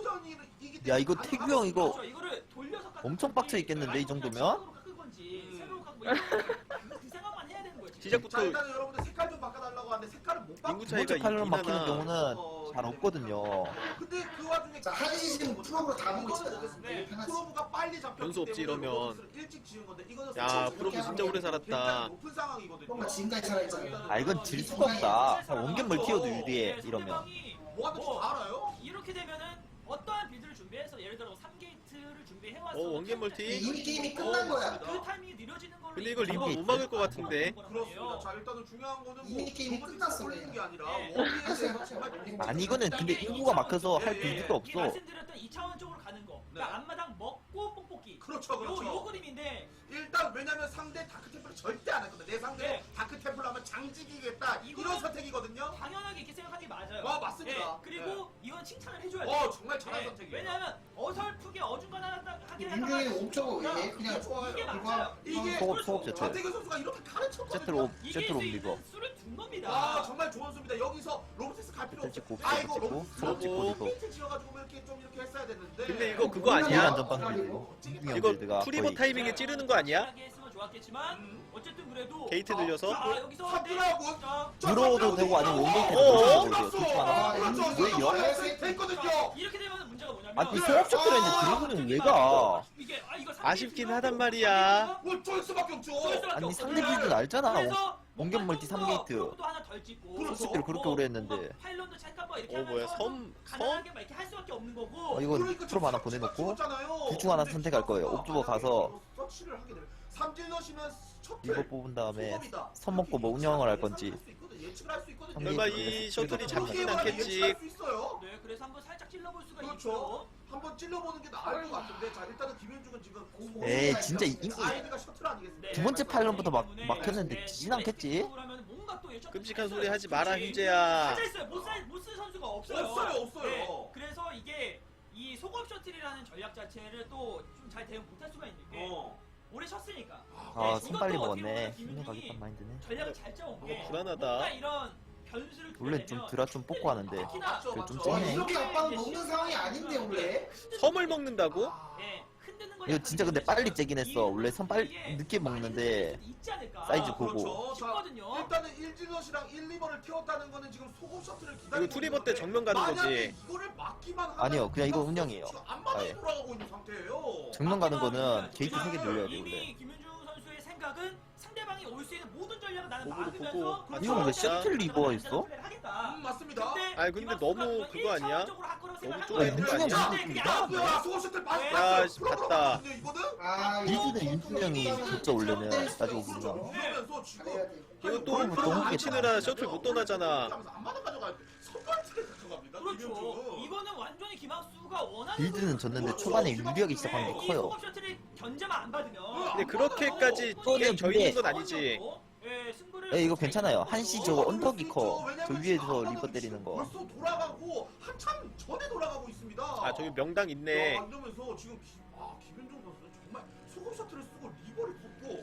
Speaker 1: 야, 이거 태규 형 이거
Speaker 6: 그렇죠. 이거를 돌려서 깎는
Speaker 1: 엄청
Speaker 6: 건지,
Speaker 1: 빡쳐 있겠는데, 이 정도면?
Speaker 6: 시각으로 깎은 건지, 세로로 깎은 건지, 그- 그 생각만 해야 되는 거지.
Speaker 3: 자
Speaker 4: 시작부터
Speaker 3: 일단 여러분들 색깔 좀 바꿔달라고 하는데 색깔을 못 바꿔.
Speaker 4: 인구
Speaker 1: 두
Speaker 4: 차이가
Speaker 1: 번째 팔런
Speaker 4: 있긴
Speaker 1: 막히는
Speaker 4: 하나.
Speaker 1: 경우는 잘 없거든요.
Speaker 3: 근데 그 와중에
Speaker 2: 자, 한시 지금 프로브로 다 보고 있잖아.
Speaker 3: 네,
Speaker 2: 편하지.
Speaker 3: 프로브가 빨리 잡혔기
Speaker 4: 변수 없지,
Speaker 3: 때문에
Speaker 4: 이러면.
Speaker 3: 로봇을 일찍 지은 건데 이거는
Speaker 4: 야
Speaker 3: 솔직히
Speaker 4: 프로브 진짜 오래
Speaker 3: 굉장히
Speaker 4: 살았다.
Speaker 3: 높은 상황이거든요.
Speaker 2: 뭔가 지금까지 살아있잖아.
Speaker 1: 아 이건 질 수가 없다. 그냥 원격 멀티어도 유리해
Speaker 6: 네,
Speaker 1: 이러면.
Speaker 6: 상대방이
Speaker 3: 뭐가 될지
Speaker 6: 뭐
Speaker 3: 다 알아요?
Speaker 6: 이렇게 되면은 어떠한 빌드를 준비해서 예를 들어 삼 게이트를 준비해왔어.
Speaker 4: 어, 원ゲ임 멀티?
Speaker 2: 이미 게임이 끝난 거야.
Speaker 6: 그 타이밍이 느려지는 걸로.
Speaker 4: 근데 이거 리버 못 막을 것 같은데.
Speaker 3: 그렇습니다. 자 일단은 중요한 거는 뭐
Speaker 2: 이미 게임이
Speaker 3: 로봇이
Speaker 2: 끝났어,
Speaker 3: 걸리는 게 아니라
Speaker 6: 네.
Speaker 3: 원기에 대해서
Speaker 2: 맞아요,
Speaker 3: 정말
Speaker 2: 맞아요.
Speaker 3: 공격적인
Speaker 1: 아니 이거는 근데 인구가 막혀서 할 빌드가 없어.
Speaker 6: 말씀드렸던 이 차원적으로 가는 거. 그러니까
Speaker 3: 네.
Speaker 6: 앞마당 먹고 뽁뽁이.
Speaker 3: 그렇죠,
Speaker 6: 요,
Speaker 3: 그렇죠.
Speaker 6: 요 그림인데
Speaker 3: 일단 왜냐면 상대 다크템플을 절대 안 했거든. 내 상대로
Speaker 6: 네.
Speaker 3: 다크템플 하면 장지기겠다. 이런
Speaker 6: 이거는-
Speaker 3: 선택이거든요.
Speaker 6: 당연하게 이렇게 생각하는 게 맞아요.
Speaker 3: 와, 맞습니다.
Speaker 6: 네, 그리고 이건 칭찬을 해줘야 돼.
Speaker 3: 어 정말 잘한 선택이에요.
Speaker 6: 왜냐하면 어설프게 어중간하게
Speaker 2: 윤중이는 옵저버 왜 그냥
Speaker 6: 이게
Speaker 2: 이거
Speaker 6: 맞아요.
Speaker 3: 이게
Speaker 1: 소업 소업 제트.
Speaker 3: 전태규 선수가 이렇게 가르쳤거든요.
Speaker 1: 제트로 옵
Speaker 6: 이길
Speaker 1: 제트로
Speaker 6: 수
Speaker 1: 옮기고.
Speaker 6: 있는 수를 준 겁니다.
Speaker 3: 와 정말 좋은 수입니다. 여기서 로보틱스 갈 필요
Speaker 1: 제트
Speaker 3: 없어.
Speaker 1: 찍고
Speaker 3: 아이고
Speaker 1: 찍고
Speaker 3: 로보틱스
Speaker 1: 소업 찍고
Speaker 4: 로보.
Speaker 1: 이거.
Speaker 3: 페인트 지어가지고 이렇게 좀 이렇게 했어야 됐는데.
Speaker 4: 근데 이거 그거
Speaker 1: 이런
Speaker 4: 아니야?
Speaker 1: 안전빵 빌드. 윤중이 형
Speaker 4: 이거
Speaker 1: 빌드가
Speaker 4: 프리버
Speaker 1: 거의
Speaker 4: 타이밍에 찌르는 거 아니야?
Speaker 6: 하게 했으면 좋았겠지만 어쨌든 그래도
Speaker 4: 게이트 늘려서?
Speaker 6: 자, 여기서
Speaker 3: 삽질하고
Speaker 6: 자,
Speaker 1: 들어오도 되고 아니면 원게이트도
Speaker 4: 어어?
Speaker 1: 되고 둘중 하나.
Speaker 3: 그렇죠.
Speaker 1: 왜요?
Speaker 3: 됐거든요.
Speaker 6: 이렇게 되면 문제가 뭐냐면
Speaker 1: 아니 소업 셔틀 했는데 드래곤은 왜 가?
Speaker 6: 이게 아 이거
Speaker 4: 아쉽긴 하단 말이야.
Speaker 3: 뭘쫄 수밖에 없죠.
Speaker 1: 아니 상대 빌드는 알잖아.
Speaker 6: 그래서
Speaker 1: 원격 멀티 삼 게이트.
Speaker 6: 프로브도 하나 덜 찍고
Speaker 3: 그렇죠.
Speaker 1: 소식들 그렇게 오래 했는데.
Speaker 6: 파일런도 찰까 봐 이렇게
Speaker 4: 어 뭐야
Speaker 6: 하면서
Speaker 4: 섬? 섬?
Speaker 6: 가난하게 막 이렇게 할 수밖에 없는 거고
Speaker 1: 어, 이거
Speaker 3: 그러니까
Speaker 1: 프로 하나
Speaker 3: 지금
Speaker 1: 보내놓고
Speaker 3: 찍었잖아요.
Speaker 1: 둘 중 하나
Speaker 3: 근데
Speaker 1: 선택할 거예요.
Speaker 3: 기가
Speaker 1: 옵저버 가서
Speaker 3: 서치를 하게 되면 삼질 넣으시면 셔틀
Speaker 1: 이거 뽑은 다음에
Speaker 3: 소금이다.
Speaker 1: 선 먹고 뭐 운영을 할 건지.
Speaker 3: 예측할 수 있거든, 예측을 할 수 있거든요.
Speaker 1: 설마
Speaker 4: 설마 이 셔틀이
Speaker 1: 이거
Speaker 4: 잡히진
Speaker 3: 예측을
Speaker 4: 않겠지.
Speaker 3: 할 수 있어요.
Speaker 6: 네 그래서 한번 살짝 찔러볼 수가
Speaker 3: 그렇죠.
Speaker 6: 있죠.
Speaker 3: 한번 찔러보는 게 나을 것 같은데 자 일단은 김현중은 지금
Speaker 1: 에이 진짜 이- 이-
Speaker 3: 아이드가 셔틀 아니겠습니까?
Speaker 1: 두 번째 팔런부터 막
Speaker 6: 때문에
Speaker 1: 막혔는데
Speaker 6: 네,
Speaker 1: 지진 않겠지?
Speaker 6: 하면 뭔가 또 예측
Speaker 4: 끔찍한
Speaker 6: 못했어요.
Speaker 4: 소리 하지 마라
Speaker 6: 그치?
Speaker 4: 흰재야.
Speaker 6: 찾아 있어요. 못쓸 선수가 없어요.
Speaker 3: 없어요, 없어요.
Speaker 6: 네, 그래서 이게 이 속업 셔틀이라는 전략 자체를 또 좀 잘 대응 못할 수가 있는 게
Speaker 3: 어.
Speaker 6: 오래 쉬었으니까.
Speaker 1: 아
Speaker 6: 네,
Speaker 1: 손 빨리
Speaker 6: 이것도 어떻게
Speaker 1: 먹었네.
Speaker 6: 보면
Speaker 1: 힘내
Speaker 6: 김윤중이
Speaker 1: 가겠단 마인드네.
Speaker 6: 전략을 잘 짜온 게
Speaker 4: 어, 불안하다.
Speaker 6: 뭔가 이런 변수를
Speaker 1: 원래 좀 드라 좀 뽑고 하는데.
Speaker 6: 특히나
Speaker 3: 맞죠,
Speaker 1: 그래, 좀
Speaker 3: 맞죠.
Speaker 1: 쨍해.
Speaker 2: 이렇게 압박 먹는 상황이 아닌데 원래.
Speaker 4: 섬을 먹는다고?
Speaker 3: 아,
Speaker 6: 예, 흔드는 거
Speaker 1: 이거
Speaker 6: 약간
Speaker 1: 진짜 근데 빨리 째긴 했어. 원래 선 빨리
Speaker 6: 이게
Speaker 1: 늦게 먹는데
Speaker 6: 많이 있지 않을까.
Speaker 1: 사이즈 보고.
Speaker 3: 그렇죠. 자,
Speaker 6: 싶거든요.
Speaker 3: 일단은 일진럿이랑 일, 리버를 태웠다는 거는 지금 소금 셔틀을 기다리고
Speaker 4: 이거 투리버 때
Speaker 3: 있는
Speaker 4: 정면 가는
Speaker 3: 건데 만약에
Speaker 4: 거지.
Speaker 3: 이거를 막기만 하면
Speaker 1: 아니요, 그냥 이거 운영이에요.
Speaker 3: 앞마당에
Speaker 1: 아예.
Speaker 3: 돌아가고 있는 상태예요.
Speaker 1: 정면 가는 거는 게이트 세 개
Speaker 6: 지금
Speaker 1: 늘려야 돼
Speaker 6: 이미
Speaker 1: 원래.
Speaker 6: 김윤중 선수의 생각은 상대방이 올 수 있는 모든 전략을 나는
Speaker 4: 보고, 보고.
Speaker 6: 막으면서
Speaker 4: 아,
Speaker 1: 이건 왜 셔틀 리버가 있어?
Speaker 6: 하겠다.
Speaker 3: 음, 맞습니다.
Speaker 4: 아니, 근데 너무 그거 아니야? 너무
Speaker 1: 좁은 거 아니야?
Speaker 3: 야, 뭐야, 소금 셔틀 봤어.
Speaker 4: 야, 씨, 봤다.
Speaker 3: 이거는
Speaker 2: 아
Speaker 1: 빌드는 윤중이 형이 진짜 원래는 따지고 보면.
Speaker 3: 그러면서 지금
Speaker 2: 잘해야 돼.
Speaker 4: 이거 또
Speaker 1: 너무
Speaker 4: 프로브
Speaker 1: 너무
Speaker 4: 붙이느라 셔틀 못 떠나잖아.
Speaker 3: 안마다 가져가. 선발트를 가져갑니다.
Speaker 6: 그렇죠.
Speaker 3: 김현중은.
Speaker 6: 이거는 완전히 김학수가 원하는
Speaker 1: 빌드는 졌는데 초반에 유리하기 시작한 게 커요.
Speaker 6: 이 셔틀이 견제만 안 받으면
Speaker 4: 근데 그렇게까지 게임 져 있는 건 아니지.
Speaker 6: 예, 승부를
Speaker 1: 에 이거 괜찮아요. 한시 저거 언덕이 커. 저 위에서 리버 때리는 거.
Speaker 3: 벌써 돌아가고 한참 전에 돌아가고 있습니다.
Speaker 4: 아 저기 명당 있네.
Speaker 3: 야, 이러면서 지금 기, 아, 김현중 선수는 정말 소금 셔틀을 쓰고 리버를 걷고